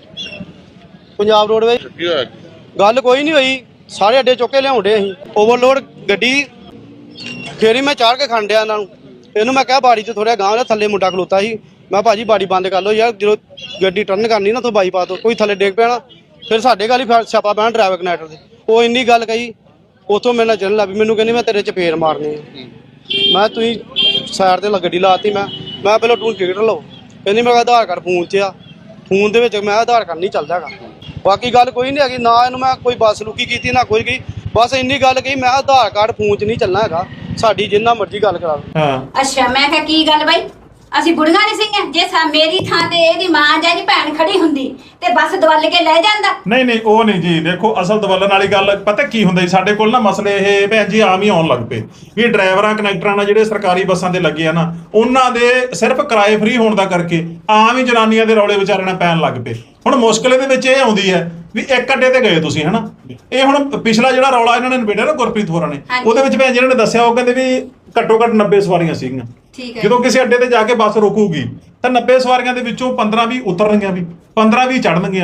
Speaker 9: ਪੰਜਾਬ ਰੋਡਵੇਜ਼।
Speaker 8: ਕੀ ਹੋਇਆ?
Speaker 9: ਗੱਲ ਕੋਈ ਨਹੀਂ ਹੋਈ, ਸਾਰੇ ਅੱਡੇ ਚੁੱਕ ਕੇ ਲਿਆਉਂਦੇ ਅਸੀਂ। ਓਵਰਲੋਡ ਗੱਡੀ ਫੇਰੀ ਮੈਂ ਚਾੜ ਕੇ ਖੰਡਿਆ ਇਹਨਾਂ ਨੂੰ। ਇਹਨੂੰ ਮੈਂ ਕਿਹਾ ਬਾੜੀ 'ਚ ਥੋੜਾ ਗਾਂਹ ਥੱਲੇ ਮੁੰਡਾ ਖਲੋਤਾ ਸੀ, ਮੈਂ ਭਾਜੀ ਬਾੜੀ ਬੰਦ ਕਰ ਲਓ ਯਾਰ, ਜਦੋਂ ਗੱਡੀ ਟਰਨ ਕਰਨੀ ਨਾ ਤੋਂ ਬਾਈਪਾਸ ਤੋਂ ਕੋਈ ਥੱਲੇ ਡਿੱਗ ਪੈਣਾ, ਫਿਰ ਸਾਡੇ ਗੱਲ ਹੀ ਛਾਪਾ ਪੈਣਾ ਡਰਾਈਵਰ ਕਨੈਕਟਰ ਦੇ। ਉਹ ਇੰਨੀ ਗੱਲ ਕਹੀ, ਉੱਥੋਂ ਮੇਰੇ ਨਾਲ ਚੱਲਣ ਲੱਗ ਪਈ, ਮੈਨੂੰ ਕਹਿੰਦੀ ਮੈਂ ਤੇਰੇ ਚਪੇੜ ਮਾਰਨੀ ਆ। ਮੈਂ ਤੁਸੀਂ ਸਾਈਡ ਤੇ ਗੱਡੀ ਲਾਤੀ, ਮੈਂ ਪਹਿਲਾਂ ਤੂੰ ਟਿਕਟ ਲਓ, ਕਹਿੰਦੀ ਮੇਰਾ ਆਧਾਰ ਕਾਰਡ ਫੋਨ 'ਚ ਆ, ਫੋਨ ਦੇ ਵਿੱਚ ਮੈਂ ਆਧਾਰ ਕਾਰਡ ਨਹੀਂ ਚੱਲਦਾ ਹੈਗਾ। ਬਾਕੀ ਗੱਲ ਕੋਈ ਨਹੀਂ ਹੈਗੀ, ਨਾ ਇਹਨੂੰ ਮੈਂ ਕੋਈ ਬੱਸ ਲੁਕੀ ਕੀਤੀ ਨਾ ਕੋਈ ਗਈ, ਬਸ ਇੰਨੀ ਗੱਲ ਕਹੀ ਮੈਂ ਆਧਾਰ ਕਾਰਡ ਫੋਨ 'ਚ ਨਹੀਂ ਚੱਲਣਾ ਹੈਗਾ, ਸਾਡੀ ਜਿੰਨਾ ਮਰਜ਼ੀ ਗੱਲ ਕਰਾ ਲਓ।
Speaker 2: ਹਾਂ
Speaker 5: ਅੱਛਾ ਮੈਂ ਕਿਹਾ ਕੀ ਗੱਲ ਬਾਈ, ਅਸੀਂ ਬੁੜੀਆਂ ਨਹੀਂ ਸੀਗੀਆਂ? ਜੇ ਮੇਰੀ ਥਾਂ ਤੇ ਇਹਦੀ ਮਾਂ ਜਾਂ ਇਹਦੀ ਭੈਣ ਖੜੀ ਹੁੰਦੀ ਤੇ ਬੱਸ ਦਵਲ ਕੇ ਲੈ ਜਾਂਦਾ।
Speaker 2: ਨਹੀਂ ਉਹ ਨਹੀਂ ਜੀ, ਦੇਖੋ ਅਸਲ ਦਵਲਣ ਵਾਲੀ ਗੱਲ ਪਤਾ ਕੀ ਹੁੰਦਾ ਜੀ, ਸਾਡੇ ਕੋਲ ਨਾ ਮਸਲੇ ਇਹ ਭੈਣ ਜੀ ਆਮ ਹੀ ਆਉਣ ਲੱਗ ਪਏ ਵੀ ਡਰਾਈਵਰਾਂ ਕਨੈਕਟਰਾਂ ਨਾਲ ਜਿਹੜੇ ਸਰਕਾਰੀ ਬੱਸਾਂ ਤੇ ਲੱਗੇ ਆ ਨਾ, ਉਹਨਾਂ ਦੇ ਸਿਰਫ ਕਿਰਾਏ ਫ੍ਰੀ ਹੋਣ ਦਾ ਕਰਕੇ ਆਮ ਹੀ ਜਨਾਨੀਆਂ ਦੇ ਰੌਲੇ ਵਿਚਾਰਿਆਂ ਨਾਲ ਪੈਣ ਲੱਗ ਪਏ। ਹੁਣ ਮੁਸ਼ਕਲ ਇਹਦੇ ਵਿੱਚ ਇਹ ਆਉਂਦੀ ਹੈ ਵੀ ਇੱਕ ਅੱਡੇ ਤੇ ਗਏ ਤੁਸੀਂ ਹਨਾ, ਇਹ ਹੁਣ ਪਿਛਲਾ ਜਿਹੜਾ ਰੌਲਾ ਇਹਨਾਂ ਨੇ ਨਿਬੇੜਿਆ ਨਾ ਗੁਰਪ੍ਰੀਤ ਹੋਰਾਂ ਨੇ, ਉਹਦੇ ਵਿੱਚ ਭੈਣ ਜੀ ਇਹਨਾਂ ਨੇ ਦੱਸਿਆ, ਉਹ ਕਹਿੰਦੇ ਵੀ ਘੱਟੋ ਘੱਟ 90 ਸਵਾਰੀਆਂ ਸੀਗੀਆਂ। ਜਦੋਂ ਕਿਸੇ ਅੱਡੇ ਤੇ ਜਾ ਕੇ ਬੱਸ ਰੁਕੂਗੀ ਤਾਂ 90 ਸਵਾਰੀਆਂ ਦੇ ਵਿੱਚੋਂ 15-20 ਉਤਰਨਗੀਆਂ ਵੀ, 15-20 ਚੜਨਗੀਆਂ ਵੀ,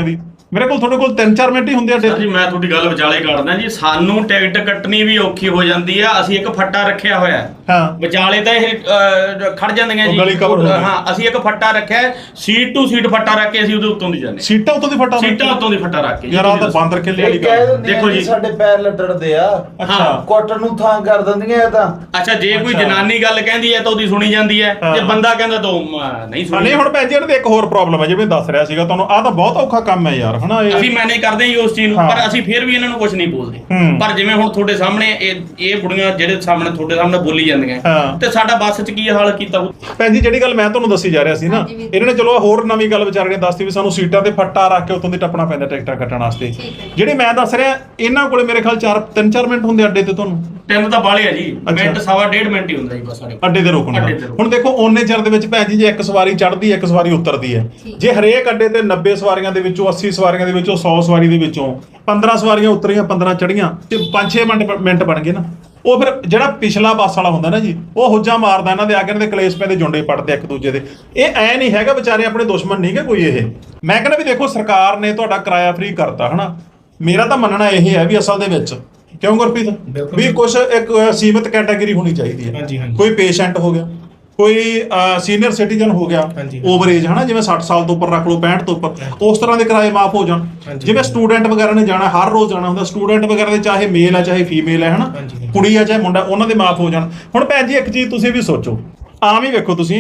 Speaker 2: ਮੇਰੇ ਕੋਲ ਤੁਹਾਡੇ ਕੋਲ 3-4 ਮਿੰਟ ਹੀ ਹੁੰਦੇ ਆ
Speaker 3: ਸਰ ਜੀ ਮੈਂ ਤੁਹਾਡੀ ਗੱਲ ਵਿਚਾਲੇ ਕੱਢਦਾ ਜੀ, ਸਾਨੂੰ ਟਿਕਟ ਕੱਟਣੀ ਵੀ ਔਖੀ ਹੋ ਜਾਂਦੀ ਆ। ਅਸੀਂ ਇੱਕ ਫੱਟਾ ਰੱਖਿਆ ਹੋਇਆ ਹੈ।
Speaker 2: ਹਾਂ
Speaker 3: ਵਿਚਾਲੇ ਤਾਂ ਇਹ ਖੜ ਜਾਂਦੀਆਂ ਜੀ।
Speaker 2: ਗਲੀ cover ਹੋ ਗਈ।
Speaker 3: ਹਾਂ ਅਸੀਂ ਇੱਕ ਫੱਟਾ ਰੱਖਿਆ ਹੈ, ਸੀਟ ਟੂ ਸੀਟ ਫੱਟਾ ਰੱਖ ਕੇ ਅਸੀਂ ਉਹਦੇ ਉੱਤੋਂ ਦੀ ਜਾਂਦੇ।
Speaker 2: ਸੀਟਾਂ ਉੱਤੋਂ ਦੀ ਫਟਾ
Speaker 3: ਸੀਟਾਂ ਉੱਤੋਂ ਦੀ ਫੱਟਾ ਰੱਖ ਕੇ
Speaker 2: ਯਾਰ ਆਹ ਤਾਂ ਬਾਂਦ ਰੱਖੇ ਵਾਲੀ ਗੱਲ।
Speaker 3: ਦੇਖੋ ਜੀ,
Speaker 7: ਸਾਡੇ ਪੈਰ ਲੱਟੜਦੇ ਆ।
Speaker 2: ਅੱਛਾ
Speaker 7: ਕੁੱਟਣ ਨੂੰ ਥਾਂ ਕਰ ਦਿੰਦੀਆਂ ਇਹ ਤਾਂ।
Speaker 3: ਅੱਛਾ ਜੇ ਕੋਈ ਜਨਾਨੀ ਗੱਲ ਕਹਿੰਦੀ ਹੈ ਤਾਂ ਉਹਦੀ ਸੁਣੀ ਜਾਂਦੀ ਹੈ, ਜੇ ਬੰਦਾ ਕਹਿੰਦਾ ਤਾਂ ਨਹੀਂ ਸੁਣੀ।
Speaker 2: ਨਹੀਂ ਹੁਣ ਭੈਣ ਜੀ ਇਹਨਾਂ ਦੇ ਇੱਕ ਹੋਰ ਪ੍ਰੋਬਲਮ ਹੈ, ਜਿਵੇਂ ਦੱਸ ਰਿਹਾ ਸੀਗਾ ਤੁਹਾਨੂੰ, ਆਹ ਤਾਂ ਬਹੁਤ ਔਖਾ ਕੰਮ ਹੈ ਯਾਰ ਹਨਾ।
Speaker 3: ਅਸੀਂ ਮੈਨੇਜ ਕਰਦੇ ਹਾਂ ਜੀ ਉਸ ਚੀਜ਼ ਨੂੰ,
Speaker 2: ਹਾਂ।
Speaker 3: ਪਰ ਅਸੀਂ ਫਿਰ ਵੀ ਇਹਨਾਂ ਨੂੰ ਕੁਝ ਨਹੀਂ ਬੋਲਦੇ।
Speaker 2: ਹੂੰ।
Speaker 3: ਪਰ ਜਿਵੇਂ ਹੁਣ ਤੁਹਾਡੇ ਸਾਹਮਣੇ ਇਹ ਬੁੜੀਆਂ ਜਿਹੜੇ ਸਾਹਮਣੇ ਤੁਹਾਡੇ ਸਾਹਮਣੇ ਬੋਲੀ ਜਾਂਦੀਆਂ,
Speaker 2: ਹਾਂ।
Speaker 3: ਤੇ ਸਾਡਾ ਬੱਸ 'ਚ ਕੀ ਹਾਲ ਕੀਤਾ ਹੋਊ?
Speaker 2: ਭੈਣ ਜੀ ਜਿਹੜੀ ਗੱਲ ਮੈਂ ਤੁਹਾਨੂੰ ਦੱਸੀ ਜਾ ਰਿਹਾ ਸੀ ਨਾ, ਇਹਨਾਂ ਨੇ ਚਲੋ ਹੋਰ ਨਵੀਂ ਗੱਲ ਵਿਚਾਰੇ ਨੇ ਦੱਸਤੀ ਵੀ ਸਾਨੂੰ ਸੀਟਾਂ ਤੇ ਫੱਟਾ ਰੱਖ ਕੇ ਉੱਤੋਂ ਦੀ ਟੱਪਣਾ ਪੈਂਦਾ ਟਿਕਟਾਂ ਕੱਟਣ ਵਾਸਤੇ। ਜਿਹੜੇ ਮੈਂ ਦੱਸ ਰਿਹਾ ਇਹਨਾਂ ਕੋਲੇ ਮੇਰੇ ਖਿਆਲ 3-4 ਮਿੰਟ ਹੁੰਦੇ ਅੱਡੇ ਤੇ ਤੁਹਾਨੂੰ।
Speaker 3: 3 ਤਾਂ ਬਾਲੇ ਆ ਜੀ,
Speaker 2: ਅੱਛਾ।
Speaker 3: ਮਿੰਟ ਸਵਾ ਡੇਢ ਮਿੰਟ ਹੀ ਹੁੰਦਾ ਜੀ ਬਸ ਸਾਡੇ।
Speaker 2: ਅੱਡੇ ਤੇ ਰੋਕਣ ਦਾ।
Speaker 3: ਅੱਡੇ ਤੇ ਰੋਕਣ।
Speaker 2: ਹੁਣ ਦੇਖੋ ਓਨੇ ਚਿਰ ਦੇ ਵਿੱਚ ਭੈਣ ਜੀ ਜੇ ਇੱਕ ਸਵਾਰੀ ਚੜ੍ਹਦੀ ਹੈ ਇੱਕ ਸਵਾਰੀ ਉਤਰਦੀ ਹੈ, ਜੇ ਹਰੇਕ ਅੱਡੇ ਤੇ 90 ਸਵਾਰੀਆਂ ਦੇ ਵਿੱਚੋਂ 80 ਸਵਾਰੀਆਂ ਦੇ ਵਿੱਚੋਂ 100 ਸਵਾਰੀ ਦੇ ਵਿੱਚੋਂ 15 ਸਵਾਰੀਆਂ ਉਤਰੀਆਂ 15 ਚੜ੍ਹੀਆਂ ਤੇ 5-6 ਮਿੰਟ ਬਣ ਗਏ ਨਾ, ਉਹ ਫਿਰ ਜਿਹੜਾ ਪਿਛਲਾ ਬੱਸ ਵਾਲਾ ਹੁੰਦਾ ਨਾ ਜੀ, ਉਹ ਹੁੱਜਾ ਮਾਰਦਾ ਇਹਨਾਂ ਦੇ ਆ ਕੇ ਇਹਨਾਂ ਦੇ ਕਲੇਸ਼ ਪੈਂਦੇ, ਜੁੰਡੇ ਪੜਦੇ ਇੱਕ ਦੂਜੇ ਦੇ। ਇਹ ਐ ਨਹੀਂ ਹੈਗਾ ਵਿਚਾਰੇ ਆਪਣੇ ਦੁਸ਼ਮਣ ਨਹੀਂ ਗੇ ਕੋਈ ਇਹ। ਮੈਂ ਕਹਿੰਦਾ ਵੀ ਦੇਖੋ ਸਰਕਾਰ ਨੇ ਤੁਹਾਡਾ ਕਿਰਾਇਆ ਫ੍ਰੀ ਕਰਤਾ ਹਨਾ, ਮੇਰਾ ਤਾਂ ਮੰਨਣਾ ਇਹ ਹੈ ਵੀ ਅਸਲ ਦੇ ਵਿੱਚ ਕਿਉਂ ਗੁਰਪ੍ਰੀਤ ਵੀ ਕੁਝ ਇੱਕ ਸੀਮਿਤ ਕੈਟਾਗਰੀ ਹੋਣੀ ਚਾਹੀਦੀ ਹੈ। ਕੋਈ ਪੇਸ਼ੈਂਟ ਹੋ ਗਿਆ, ਕੋਈ ਸੀਨੀਅਰ ਸਿਟੀਜ਼ਨ ਹੋ ਗਿਆ, ਓਵਰ ਏਜ ਹਨਾ, ਜਿਵੇਂ 60 ਸਾਲ ਤੋਂ ਉੱਪਰ ਰੱਖ ਲਓ 65 ਤੋਂ ਉੱਪਰ, ਉਸ ਤਰ੍ਹਾਂ ਦੇ ਕਿਰਾਏ ਮਾਫ ਹੋ ਜਾਣ। ਜਿਵੇਂ ਸਟੂਡੈਂਟ ਵਗੈਰਾ ਨੇ ਜਾਣਾ, ਹਰ ਰੋਜ਼ ਜਾਣਾ ਹੁੰਦਾ, ਸਟੂਡੈਂਟ ਵਗੈਰਾ ਦੇ ਚਾਹੇ ਮੇਲ ਆ ਚਾਹੇ ਫੀਮੇਲ ਹੈ ਹਨਾ, ਕੁੜੀ ਆ ਚਾਹੇ ਮੁੰਡਾ, ਉਹਨਾਂ ਦੇ ਮਾਫ ਹੋ ਜਾਣ। ਹੁਣ ਭੈਣ ਜੀ ਇੱਕ ਚੀਜ਼ ਤੁਸੀਂ ਵੀ ਸੋਚੋ, ਆਮ ਹੀ ਵੇਖੋ ਤੁਸੀਂ,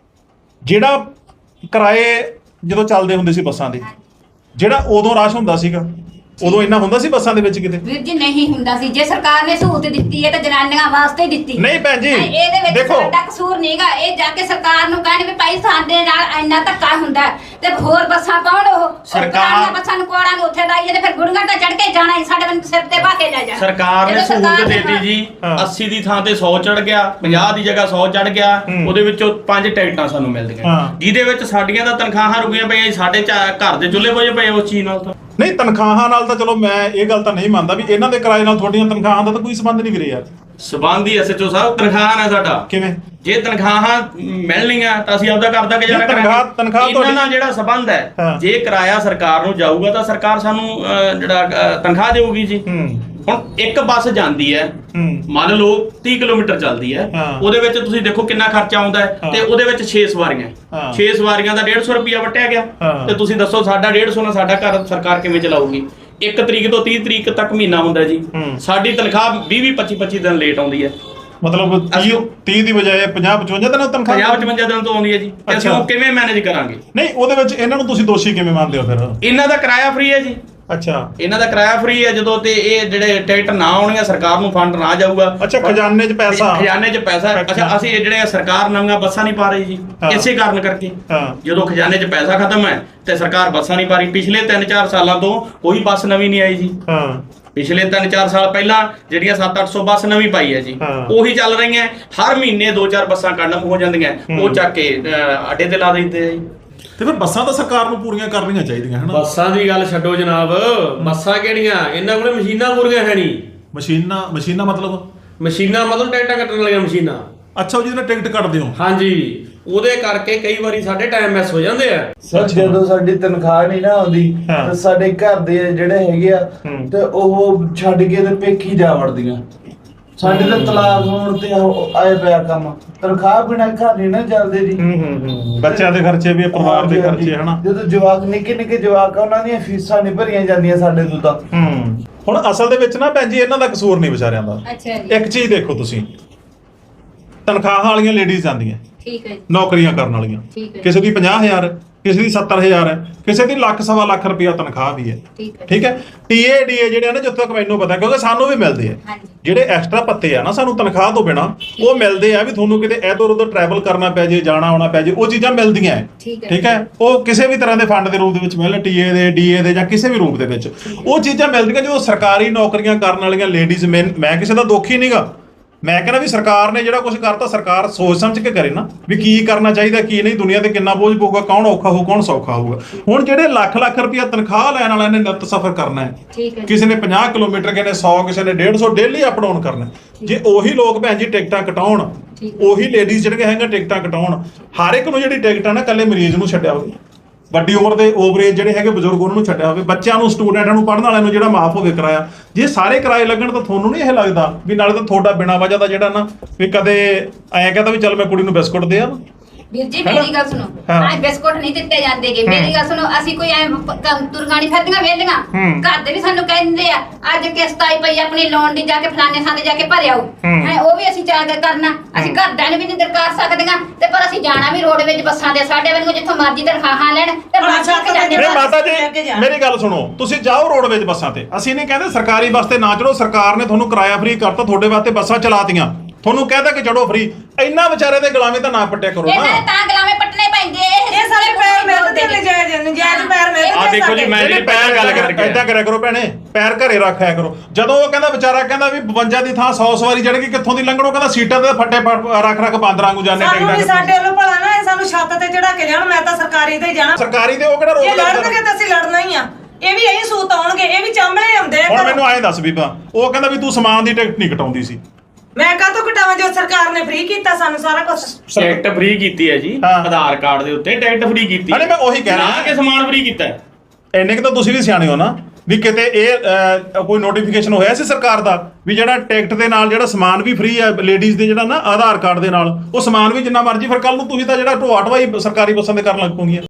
Speaker 2: ਜਿਹੜਾ ਕਿਰਾਏ ਜਦੋਂ ਚੱਲਦੇ ਹੁੰਦੇ ਸੀ ਬੱਸਾਂ ਦੇ, ਜਿਹੜਾ ਉਦੋਂ ਰਸ਼ ਹੁੰਦਾ ਸੀਗਾ, ਉਦੋਂ ਇੰਨਾ ਹੁੰਦਾ ਸੀ ਬੱਸਾਂ ਦੇ ਵਿੱਚ ਕਿਤੇ?
Speaker 5: ਵੀਰ ਜੀ ਨਹੀਂ ਹੁੰਦਾ ਸੀ। ਜੇ ਸਰਕਾਰ ਨੇ ਸਹੂਲਤ ਦਿੱਤੀ ਹੈ ਤਾਂ ਜਨਾਨੀਆਂ ਵਾਸਤੇ ਦਿੱਤੀ।
Speaker 2: ਨਹੀਂ ਭੈਣ ਜੀ
Speaker 5: ਇਹਦੇ ਵਿੱਚ
Speaker 2: ਦੇਖੋ
Speaker 5: ਸਾਡਾ ਕਸੂਰ ਨਹੀਂਗਾ। ਇਹ ਜਾ ਕੇ ਸਰਕਾਰ ਨੂੰ ਕਹਿਣ ਵੀ ਭਾਈ ਸਾਡੇ ਨਾਲ ਇੰਨਾ ਧੱਕਾ ਹੁੰਦਾ ਤੇ ਹੋਰ ਬੱਸਾਂ ਪਾਉਣ, ਉਹ ਸਰਕਾਰਾਂ ਬੱਸਾਂ ਨੂੰ ਕੋੜਾਂ ਨੂੰ ਉੱਥੇ ਲਾਈ ਜਾਂਦੇ, ਫਿਰ ਗੁੜੀਆਂ ਤਾਂ ਚੜ ਕੇ ਜਾਣਾ ਹੀ, ਸਾਡੇ ਬੰਦੇ ਸਿਰ ਤੇ ਪਾ ਕੇ ਲੈ ਜਾ।
Speaker 3: ਸਰਕਾਰ ਨੇ ਸਹੂਲਤ ਦੇਤੀ ਜੀ, 80 ਦੀ ਥਾਂ ਤੇ 100 ਚੜ ਗਿਆ, 50 ਦੀ ਜਗ੍ਹਾ 100 ਚੜ ਗਿਆ, ਉਹਦੇ ਵਿੱਚੋਂ 5 ਟਿਕਟਾਂ ਸਾਨੂੰ ਮਿਲਦੀਆਂ, ਜਿਹਦੇ ਵਿੱਚ ਸਾਡੀਆਂ ਤਾਂ ਤਨਖਾਹਾਂ ਰੁਕੀਆਂ ਪਈਆਂ, ਸਾਡੇ ਘਰ ਦੇ ਚੁੱਲ੍ਹੇ ਬੁਝੇ ਪਏ ਉਸ ਚੀਜ਼ ਨਾਲ। ਤਾਂ
Speaker 2: ਨਹੀਂ ਤਨਖਾਹਾਂ ਨਾਲ ਤਾਂ ਚਲੋ ਮੈਂ ਇਹ ਗੱਲ ਤਾਂ ਨਹੀਂ ਮੰਨਦਾ ਵੀ ਇਹਨਾਂ ਦੇ ਕਿਰਾਏ ਨਾਲ ਤੁਹਾਡੀਆਂ ਤਨਖਾਹਾਂ ਦਾ ਤਾਂ ਕੋਈ ਸੰਬੰਧ ਨਹੀਂ ਵੀਰੇ ਯਾਰ।
Speaker 3: ਸਬੰਧ ਹੀ ਐਸਐਚਓ ਸਾਹਿਬ ਤਨਖਾਹਾਂ ਨਾਲ ਸਾਡਾ। ਕਿਵੇਂ? ਜੇ ਤਨਖਾਹਾਂ ਮਿਲਣੀਆਂ ਤਾਂ ਅਸੀਂ ਆਪਦਾ ਘਰ ਦਾ ਗੁਜ਼ਾਰਾ ਕਰਾਂਗੇ। ਤਨਖਾਹ ਇਹਨਾਂ ਨਾਲ ਜਿਹੜਾ ਸਬੰਧ ਹੈ, ਜੇ ਕਿਰਾਇਆ ਸਰਕਾਰ ਨੂੰ ਜਾਊਗਾ ਤਾਂ ਸਰਕਾਰ ਸਾਨੂੰ ਜਿਹੜਾ ਤਨਖਾਹ ਦੇਊਗੀ ਜੀ। ਹੁਣ ਇੱਕ ਬੱਸ ਜਾਂਦੀ ਹੈ, ਮੰਨ ਲਓ 30 ਕਿਲੋਮੀਟਰ ਚੱਲਦੀ ਹੈ, ਉਹਦੇ ਵਿੱਚ ਤੁਸੀਂ ਦੇਖੋ ਕਿੰਨਾ ਖਰਚਾ ਆਉਂਦਾ ਹੈ, ਤੇ ਉਹਦੇ ਵਿੱਚ 6 ਸਵਾਰੀਆਂ, 6 ਸਵਾਰੀਆਂ ਦਾ 150 ਰੁਪਿਆ ਵਟਿਆ ਗਿਆ, ਤੇ ਤੁਸੀਂ ਦੱਸੋ ਸਾਡਾ 150 ਨਾਲ ਸਾਡਾ ਘਰ ਸਰਕਾਰ ਕਿਵੇਂ ਚਲਾਊਗੀ? 1 ਤਰੀਕ ਤੋਂ 30 ਤਰੀਕ ਤੱਕ ਮਹੀਨਾ ਹੁੰਦਾ ਜੀ, ਸਾਡੀ ਤਨਖਾਹ 20-25 ਦਿਨ ਲੇਟ ਆਉਂਦੀ ਹੈ।
Speaker 2: ਮਤਲਬ 30 ਦੀ ਬਜਾਏ 50-55 ਦਿਨਾਂ ਤਨਖਾਹ
Speaker 3: 50-55 ਦਿਨ ਤੋਂ ਆਉਂਦੀ ਹੈ ਜੀ। ਅਸੀਂ ਉਹ ਕਿਵੇਂ ਮੈਨੇਜ ਕਰਾਂਗੇ?
Speaker 2: ਨਹੀਂ ਉਹਦੇ ਵਿੱਚ ਇਹਨਾਂ ਨੂੰ ਤੁਸੀਂ ਦੋਸ਼ੀ ਕਿਵੇਂ ਮੰਨਦੇ ਹੋ ਫਿਰ?
Speaker 3: ਇਹਨਾਂ ਦਾ ਕਿਰਾਇਆ ਫ੍ਰੀ ਹੈ ਜੀ।
Speaker 2: ਅੱਛਾ,
Speaker 3: ਇਹਨਾਂ ਦਾ ਕਿਰਾਇਆ ਫ੍ਰੀ ਹੈ ਜਦੋਂ ਤੇ ਇਹ ਜਿਹੜੇ ਟਿਕਟ ਨਾ ਆਉਣੀਆਂ, ਸਰਕਾਰ ਨੂੰ ਫੰਡ ਨਾ ਜਾਊਗਾ।
Speaker 2: ਅੱਛਾ, ਖਜ਼ਾਨੇ 'ਚ ਪੈਸਾ।
Speaker 3: ਖਜ਼ਾਨੇ 'ਚ ਪੈਸਾ। ਅੱਛਾ, ਅਸੀਂ ਜਿਹੜੇ ਸਰਕਾਰ ਨਵੀਆਂ ਬੱਸਾਂ ਨਹੀਂ ਪਾ ਰਹੀ ਜੀ, ਇਸੇ ਕਾਰਨ ਕਰਕੇ। ਜਦੋਂ ਖਜ਼ਾਨੇ 'ਚ ਪੈਸਾ ਖਤਮ ਹੈ ਤੇ ਸਰਕਾਰ ਬੱਸਾਂ ਨਹੀਂ ਪਾ ਰਹੀ। ਪਿਛਲੇ 3-4 ਸਾਲਾਂ ਤੋਂ ਕੋਈ ਬੱਸ ਨਵੀਂ ਨਹੀਂ ਆਈ ਜੀ। ਪਿਛਲੇ 3-4 ਸਾਲ ਪਹਿਲਾਂ ਜਿਹੜੀਆਂ 700-800 ਬੱਸ ਨਵੀਂ ਪਾਈ ਹੈ ਜੀ, ਉਹੀ ਚੱਲ ਰਹੀਆਂ। ਹਰ ਮਹੀਨੇ 2-4 ਬੱਸਾਂ ਕੰਡਮ ਹੋ ਜਾਂਦੀਆਂ, ਉਹ ਚੱਕ ਕੇ ਅੱਡੇ ਤੇ ਲਾ ਦਿੰਦੇ ਆ ਜੀ।
Speaker 2: ਤੇ ਫਿਰ ਬੱਸਾਂ ਤਾਂ ਸਰਕਾਰ ਨੂੰ ਪੂਰੀਆਂ ਕਰਨੀਆਂ ਚਾਹੀਦੀਆਂ ਹਨਾ।
Speaker 8: ਬੱਸਾਂ ਦੀ ਗੱਲ ਛੱਡੋ ਜਨਾਬ, ਬੱਸਾਂ ਕਿਹੜੀਆਂ, ਇਹਨਾਂ ਕੋਲੇ ਮਸ਼ੀਨਾਂ ਪੂਰੀਆਂ ਹੈ ਨਹੀਂ।
Speaker 2: ਮਸ਼ੀਨਾਂ
Speaker 8: ਮਤਲਬ ਟਿਕਟਾਂ ਕੱਟਣ ਵਾਲੀਆਂ ਮਸ਼ੀਨਾਂ।
Speaker 2: ਅੱਛਾ, ਉਹ ਜਿਹਦੇ ਨਾਲ ਟਿਕਟ ਕੱਟਦੇ ਹੋ?
Speaker 8: ਹਾਂਜੀ, ਉਹਦੇ ਕਰਕੇ ਕਈ ਵਾਰੀ ਸਾਡੇ ਟਾਈਮ ਮਿਸ ਹੋ ਜਾਂਦੇ ਆ।
Speaker 7: ਸਰ ਜਦੋਂ ਸਾਡੀ ਤਨਖਾਹ ਨਹੀਂ ਨਾ ਆਉਂਦੀ ਤੇ ਸਾਡੇ ਘਰ ਦੇ ਜਿਹੜੇ ਹੈਗੇ ਆ ਤੇ ਉਹ ਛੱਡ ਕੇ ਤੇ ਪੇਖੀ ਜਾ ਵੜਦੀਆਂ। ਸਾਡੇ ਤੇ ਤਲਾਕ ਹੋਣ ਤੇ ਆਏ ਪਿਆ ਕੰਮ, ਤਨਖਾਹ ਬਿਨਾਂ ਘਰ ਨਹੀਂ ਨਾ ਚੱਲਦੇ ਜੀ।
Speaker 2: ਬੱਚਿਆਂ ਦੇ ਖਰਚੇ ਵੀ, ਪਰਿਵਾਰ ਦੇ ਖਰਚੇ ਹਨਾ।
Speaker 7: ਜਦੋਂ ਜਵਾਕ ਨਿੱਕੇ ਜਵਾਕ ਆ, ਉਹਨਾਂ ਦੀਆਂ ਫੀਸਾਂ ਨਹੀਂ ਭਰੀਆਂ ਜਾਂਦੀਆਂ ਸਾਡੇ ਤੋਂ ਤਾਂ।
Speaker 2: ਹੁਣ ਅਸਲ ਦੇ ਵਿੱਚ ਨਾ ਭੈਣ ਜੀ ਇਹਨਾਂ ਦਾ ਕਸੂਰ ਨਹੀਂ ਵਿਚਾਰਿਆਂ ਦਾ।
Speaker 5: ਅੱਛਾ ਜੀ।
Speaker 2: ਇੱਕ ਚੀਜ਼ ਦੇਖੋ ਤੁਸੀਂ, ਤਨਖਾਹਾਂ ਵਾਲੀਆਂ ਲੇਡੀਜ਼ ਜਾਂਦੀਆਂ,
Speaker 5: ਠੀਕ ਹੈ,
Speaker 2: ਨੌਕਰੀਆਂ ਕਰਨ ਵਾਲੀਆਂ, ਕਿਸੇ ਦੀ 50,000 ਹੈ, ਕਿਸੇ ਦੀ 70,000 ਹੈ, ਕਿਸੇ ਦੀ ਲੱਖ-ਸਵਾ ਲੱਖ ਰੁਪਇਆ ਤਨਖਾਹ ਵੀ ਹੈ। ਠੀਕ ਹੈ। TADA ਜਿਹੜੇ ਆ ਨਾ, ਜਿੱਥੇ ਤੱਕ ਮੈਨੂੰ ਪਤਾ, ਕਿਉਂਕਿ ਸਾਨੂੰ ਵੀ ਮਿਲਦੇ ਆ ਜਿਹੜੇ ਐਕਸਟਰਾ ਪੱਤੇ ਆ ਨਾ, ਸਾਨੂੰ ਤਨਖਾਹ ਤੋਂ ਬਿਨਾ ਉਹ ਮਿਲਦੇ ਆ ਵੀ ਤੁਹਾਨੂੰ ਕਿਤੇ ਇੱਧਰ ਉੱਧਰ ਟਰੈਵਲ ਕਰਨਾ ਪੈ ਜੇ, ਜਾਣਾ ਆਉਣਾ ਪੈ ਜੇ, ਉਹ ਚੀਜ਼ਾਂ ਮਿਲਦੀਆਂ। ਠੀਕ ਹੈ। ਉਹ ਕਿਸੇ ਵੀ ਤਰ੍ਹਾਂ ਦੇ ਫੰਡ ਦੇ ਰੂਪ ਦੇ ਵਿੱਚ ਮਿਲਣ, TA ਦੇ, DA ਦੇ ਜਾਂ ਕਿਸੇ ਵੀ ਰੂਪ ਦੇ ਵਿੱਚ ਉਹ ਚੀਜ਼ਾਂ ਮਿਲਦੀਆਂ। ਜਦੋਂ ਸਰਕਾਰੀ ਨੌਕਰੀਆਂ ਕਰਨ ਵਾਲੀਆਂ ਲੇਡੀਜ਼, ਮੈਂ ਕਿਸੇ ਦਾ ਦੁੱਖ ਹੀ ਨਹੀਂਗਾ, ਮੈਂ ਕਹਿੰਦਾ ਵੀ ਸਰਕਾਰ ਨੇ ਜਿਹੜਾ ਕੁਝ ਕਰਤਾ, ਸਰਕਾਰ ਸੋਚ ਸਮਝ ਕੇ ਕਰੇ ਨਾ ਵੀ ਕੀ ਕਰਨਾ ਚਾਹੀਦਾ ਕੀ ਨਹੀਂ, ਦੁਨੀਆ ਤੇ ਕਿੰਨਾ ਬੋਝ ਪਊਗਾ, ਕੌਣ ਔਖਾ ਹੋਊ ਕੌਣ ਸੌਖਾ ਹੋਊਗਾ। ਹੁਣ ਜਿਹੜੇ ਲੱਖ ਰੁਪਇਆ ਤਨਖਾਹ ਲੈਣ ਵਾਲਿਆਂ ਨੇ ਨਿੱਤ ਸਫ਼ਰ ਕਰਨਾ ਹੈ, ਕਿਸੇ ਨੇ 50 ਕਿਲੋਮੀਟਰ, ਕਿਸੇ ਨੇ 100, ਕਿਸੇ ਨੇ 150 ਡੇਲੀ ਅਪ ਡਾਊਨ ਕਰਨਾ। ਜੇ ਉਹੀ ਲੋਕ ਭੈਣ ਜੀ ਟਿਕਟਾਂ ਕਟਾਉਣ, ਉਹੀ ਲੇਡੀਜ਼ ਜਿਹੜੀਆਂ ਹੈਗੀਆਂ ਟਿਕਟਾਂ ਕਟਾਉਣ, ਹਰ ਇੱਕ ਨੂੰ ਜਿਹੜੀ ਟਿਕਟ ਆ ਨਾ, ਇਕੱਲੇ ਮਰੀਜ਼ ਨੂੰ ਛੱਡਿਆ ਹੋਵੇ, ਵੱਡੀ ਉਮਰ ਦੇ ਓਵਰੇਜ ਜਿਹੜੇ ਹੈਗੇ ਬਜ਼ੁਰਗ ਉਹਨਾਂ ਨੂੰ ਛੱਡਿਆ ਹੋਵੇ, ਬੱਚਿਆਂ ਨੂੰ ਸਟੂਡੈਂਟਾਂ ਨੂੰ ਪੜ੍ਹਨ ਵਾਲਿਆਂ ਨੂੰ ਜਿਹੜਾ ਮਾਫ ਹੋਵੇ ਕਿਰਾਇਆ, ਜੇ ਸਾਰੇ ਕਿਰਾਏ ਲੱਗਣ ਤਾਂ ਤੁਹਾਨੂੰ ਨਹੀਂ ਇਹ ਲੱਗਦਾ ਵੀ ਨਾਲੇ ਤਾਂ ਤੁਹਾਡਾ ਬਿਨਾਂ ਵਜ੍ਹਾ ਦਾ ਜਿਹੜਾ ਨਾ ਵੀ ਕਦੇ ਐਂ ਕਹਿੰਦਾ ਵੀ ਚੱਲ ਮੈਂ ਕੁੜੀ ਨੂੰ ਬਿਸਕੁਟ ਦੇ ਆ।
Speaker 5: ਵੀਰ ਜੀ ਮੇਰੀ ਗੱਲ ਸੁਣੋ, ਆਹ ਬਿਸਕੁਟ ਨਹੀਂ ਦਿੱਤੇ ਜਾਂਦੇਗੇ। ਮੇਰੀ ਗੱਲ ਸੁਣੋ, ਅਸੀਂ ਕੋਈ ਐ ਤੁਰਗਾਣੀ ਫਿਰਦੀਆਂ ਵੇਲੀਆਂ, ਘਰ ਦੇ ਵੀ ਸਾਨੂੰ ਕਹਿੰਦੇ ਆ ਅੱਜ ਕਿਸ਼ਤ ਆਈ ਪਈ ਆਪਣੀ ਲੋਨ ਦੀ, ਜਾ ਕੇ ਫਲਾਣੇ ਥਾਂ ਤੇ ਜਾ ਕੇ ਭਰ ਆਓ। ਉਹ ਵੀ ਅਸੀਂ ਜਾ ਕੇ ਕਰਨਾ, ਅਸੀਂ ਘਰਦਿਆਂ ਨੂੰ ਵੀ ਨਹੀਂ ਦਰਕਾਰ ਸਕਦੀਆਂ ਤੇ ਪਰ ਅਸੀਂ ਜਾਣਾ ਵੀ ਰੋਡ ਵਿੱਚ ਬੱਸਾਂ ਦੇ, ਸਾਡੇ ਵਾਂਗੂ ਜਿੱਥੋਂ ਮਰਜ਼ੀ ਤਨਖਾਹਾਂ ਲੈਣ ਤੇ ਬੱਸ ਕੇ ਜਾਂਦੇ।
Speaker 2: ਮਾਤਾ ਜੀ ਮੇਰੀ ਗੱਲ ਸੁਣੋ, ਤੁਸੀਂ ਜਾਓ ਰੋਡ ਵਿੱਚ ਬੱਸਾਂ ਤੇ, ਅਸੀਂ ਨਹੀਂ ਕਹਿੰਦੇ ਸਰਕਾਰੀ ਬੱਸ ਤੇ ਨਾ ਚੜੋ, ਸਰਕਾਰ ਨੇ ਤੁਹਾਨੂੰ ਕਿਰਾਇਆ ਫ੍ਰੀ ਕਰਤਾ, ਤੁਹਾਡੇ ਵਾਸਤੇ ਬੱਸਾਂ ਚਲਾਤੀਆਂ, ਤੁਹਾਨੂੰ ਕਹਿਦਾ ਕਿ ਚੜੋ ਫ੍ਰੀ। ਇੰਨਾ ਵਿਚਾਰੇ ਦੇ ਗੁਲਾਮੀ ਤਾਂ ਨਾ ਪੱਟਿਆ ਕਰੋ ਨਾ।
Speaker 5: ਇਹਨਾਂ ਦੇ ਤਾਂ ਗੁਲਾਮੇ ਪੱਟਣੇ ਪੈਂਦੇ,
Speaker 4: ਇਹ ਸਾਰੇ ਪੈਰ ਮਿਲਦੇ ਨੇ, ਨਜਾਇਜ਼ ਪੈਰ ਮਿਲਦੇ
Speaker 3: ਆ ਦੇਖੋ ਜੀ, ਮੈਂ ਜਿਹੜੀ ਪੈਰ ਗੱਲ ਕਰਕੇ
Speaker 2: ਏਦਾਂ ਕਰਿਆ ਕਰੋ ਭੈਣੇ, ਪੈਰ ਘਰੇ ਰੱਖਿਆ ਕਰੋ। ਜਦੋਂ ਉਹ ਕਹਿੰਦਾ ਵਿਚਾਰਾ ਕਹਿੰਦਾ ਵੀ 52 ਦੀ ਥਾਂ 100 ਸਵਾਰੀ ਚੜ੍ਹ ਗਈ, ਕਿੱਥੋਂ ਦੀ ਲੰਘਣੋ, ਕਹਿੰਦਾ ਸੀਟਾਂ ਤੇ ਫੱਟੇ ਰੱਖ ਬਾਂਦਰਾਂ ਨੂੰ ਜਾਂਦੇ
Speaker 4: ਸਾਨੂੰ ਵੀ ਸਾਡੇ ਵੱਲੋਂ ਭਲਾ ਨਾ, ਇਹ ਸਾਨੂੰ ਛੱਤ ਤੇ ਚੜਾ ਕੇ ਜਾਣ, ਮੈਂ ਤਾਂ ਸਰਕਾਰੀ ਤੇ ਜਾਣਾ।
Speaker 2: ਸਰਕਾਰੀ ਤੇ ਉਹ ਕਿਹੜਾ ਰੋਕ
Speaker 4: ਲੜਨਗੇ ਤਾਂ ਅਸੀਂ ਲੜਨਾ ਹੀ ਆ, ਇਹ ਵੀ ਇਹੀ ਸੂਤ ਆਉਣਗੇ, ਇਹ ਵੀ ਚਾਂਬਲੇ ਆਉਂਦੇ ਆ।
Speaker 2: ਹੁਣ ਮੈਨੂੰ ਐਂ ਦੱਸ ਬੀਬਾ, ਉਹ ਕਹਿੰਦਾ ਵੀ ਤੂੰ ਸਮਾਨ ਦੀ ਟਿਕਟ ਨਹੀਂ ਕਟਾਉਂਦੀ ਸੀ,
Speaker 4: ਮੈਂ ਕਾਹਤੋਂ ਘਟਾਵਾਂ ਜੋ ਸਰਕਾਰ ਨੇ ਫ੍ਰੀ ਕੀਤਾ ਸਾਨੂੰ ਸਾਰਾ ਕੁਝ।
Speaker 3: ਟਿਕਟ ਫ੍ਰੀ ਕੀਤੀ ਹੈ ਜੀ, ਆਧਾਰ ਕਾਰਡ ਦੇ ਉੱਤੇ ਟਿਕਟ ਫ੍ਰੀ ਕੀਤੀ।
Speaker 2: ਅਰੇ ਮੈਂ ਉਹੀ ਕਹਿ ਰਿਹਾ
Speaker 3: ਕਿ ਸਮਾਨ ਫ੍ਰੀ ਕੀਤਾ ਹੈ।
Speaker 2: ਇੰਨੇ ਕਿ ਤਾਂ ਤੁਸੀਂ ਵੀ ਸਿਆਣੇ ਹੋ ਨਾ ਵੀ ਕਿਤੇ ਇਹ ਕੋਈ ਨੋਟੀਫਿਕੇਸ਼ਨ ਹੋਇਆ ਸੀ ਸਰਕਾਰ ਦਾ ਵੀ ਜਿਹੜਾ ਟਿਕਟ ਦੇ ਨਾਲ ਜਿਹੜਾ ਸਮਾਨ ਵੀ ਫ੍ਰੀ ਹੈ ਲੇਡੀਜ਼ ਦੇ, ਜਿਹੜਾ ਨਾ ਆਧਾਰ ਕਾਰਡ ਦੇ ਨਾਲ ਉਹ ਸਮਾਨ ਵੀ ਜਿੰਨਾ ਮਰਜ਼ੀ, ਫਿਰ ਕੱਲ ਨੂੰ ਤੁਸੀਂ ਤਾਂ ਜਿਹੜਾ ਢੋਆ ਢਵਾਈ ਸਰਕਾਰੀ ਬੱਸਾਂ ਦੇ ਕਰਨ ਲੱਗ ਪੋਗੀਆਂ।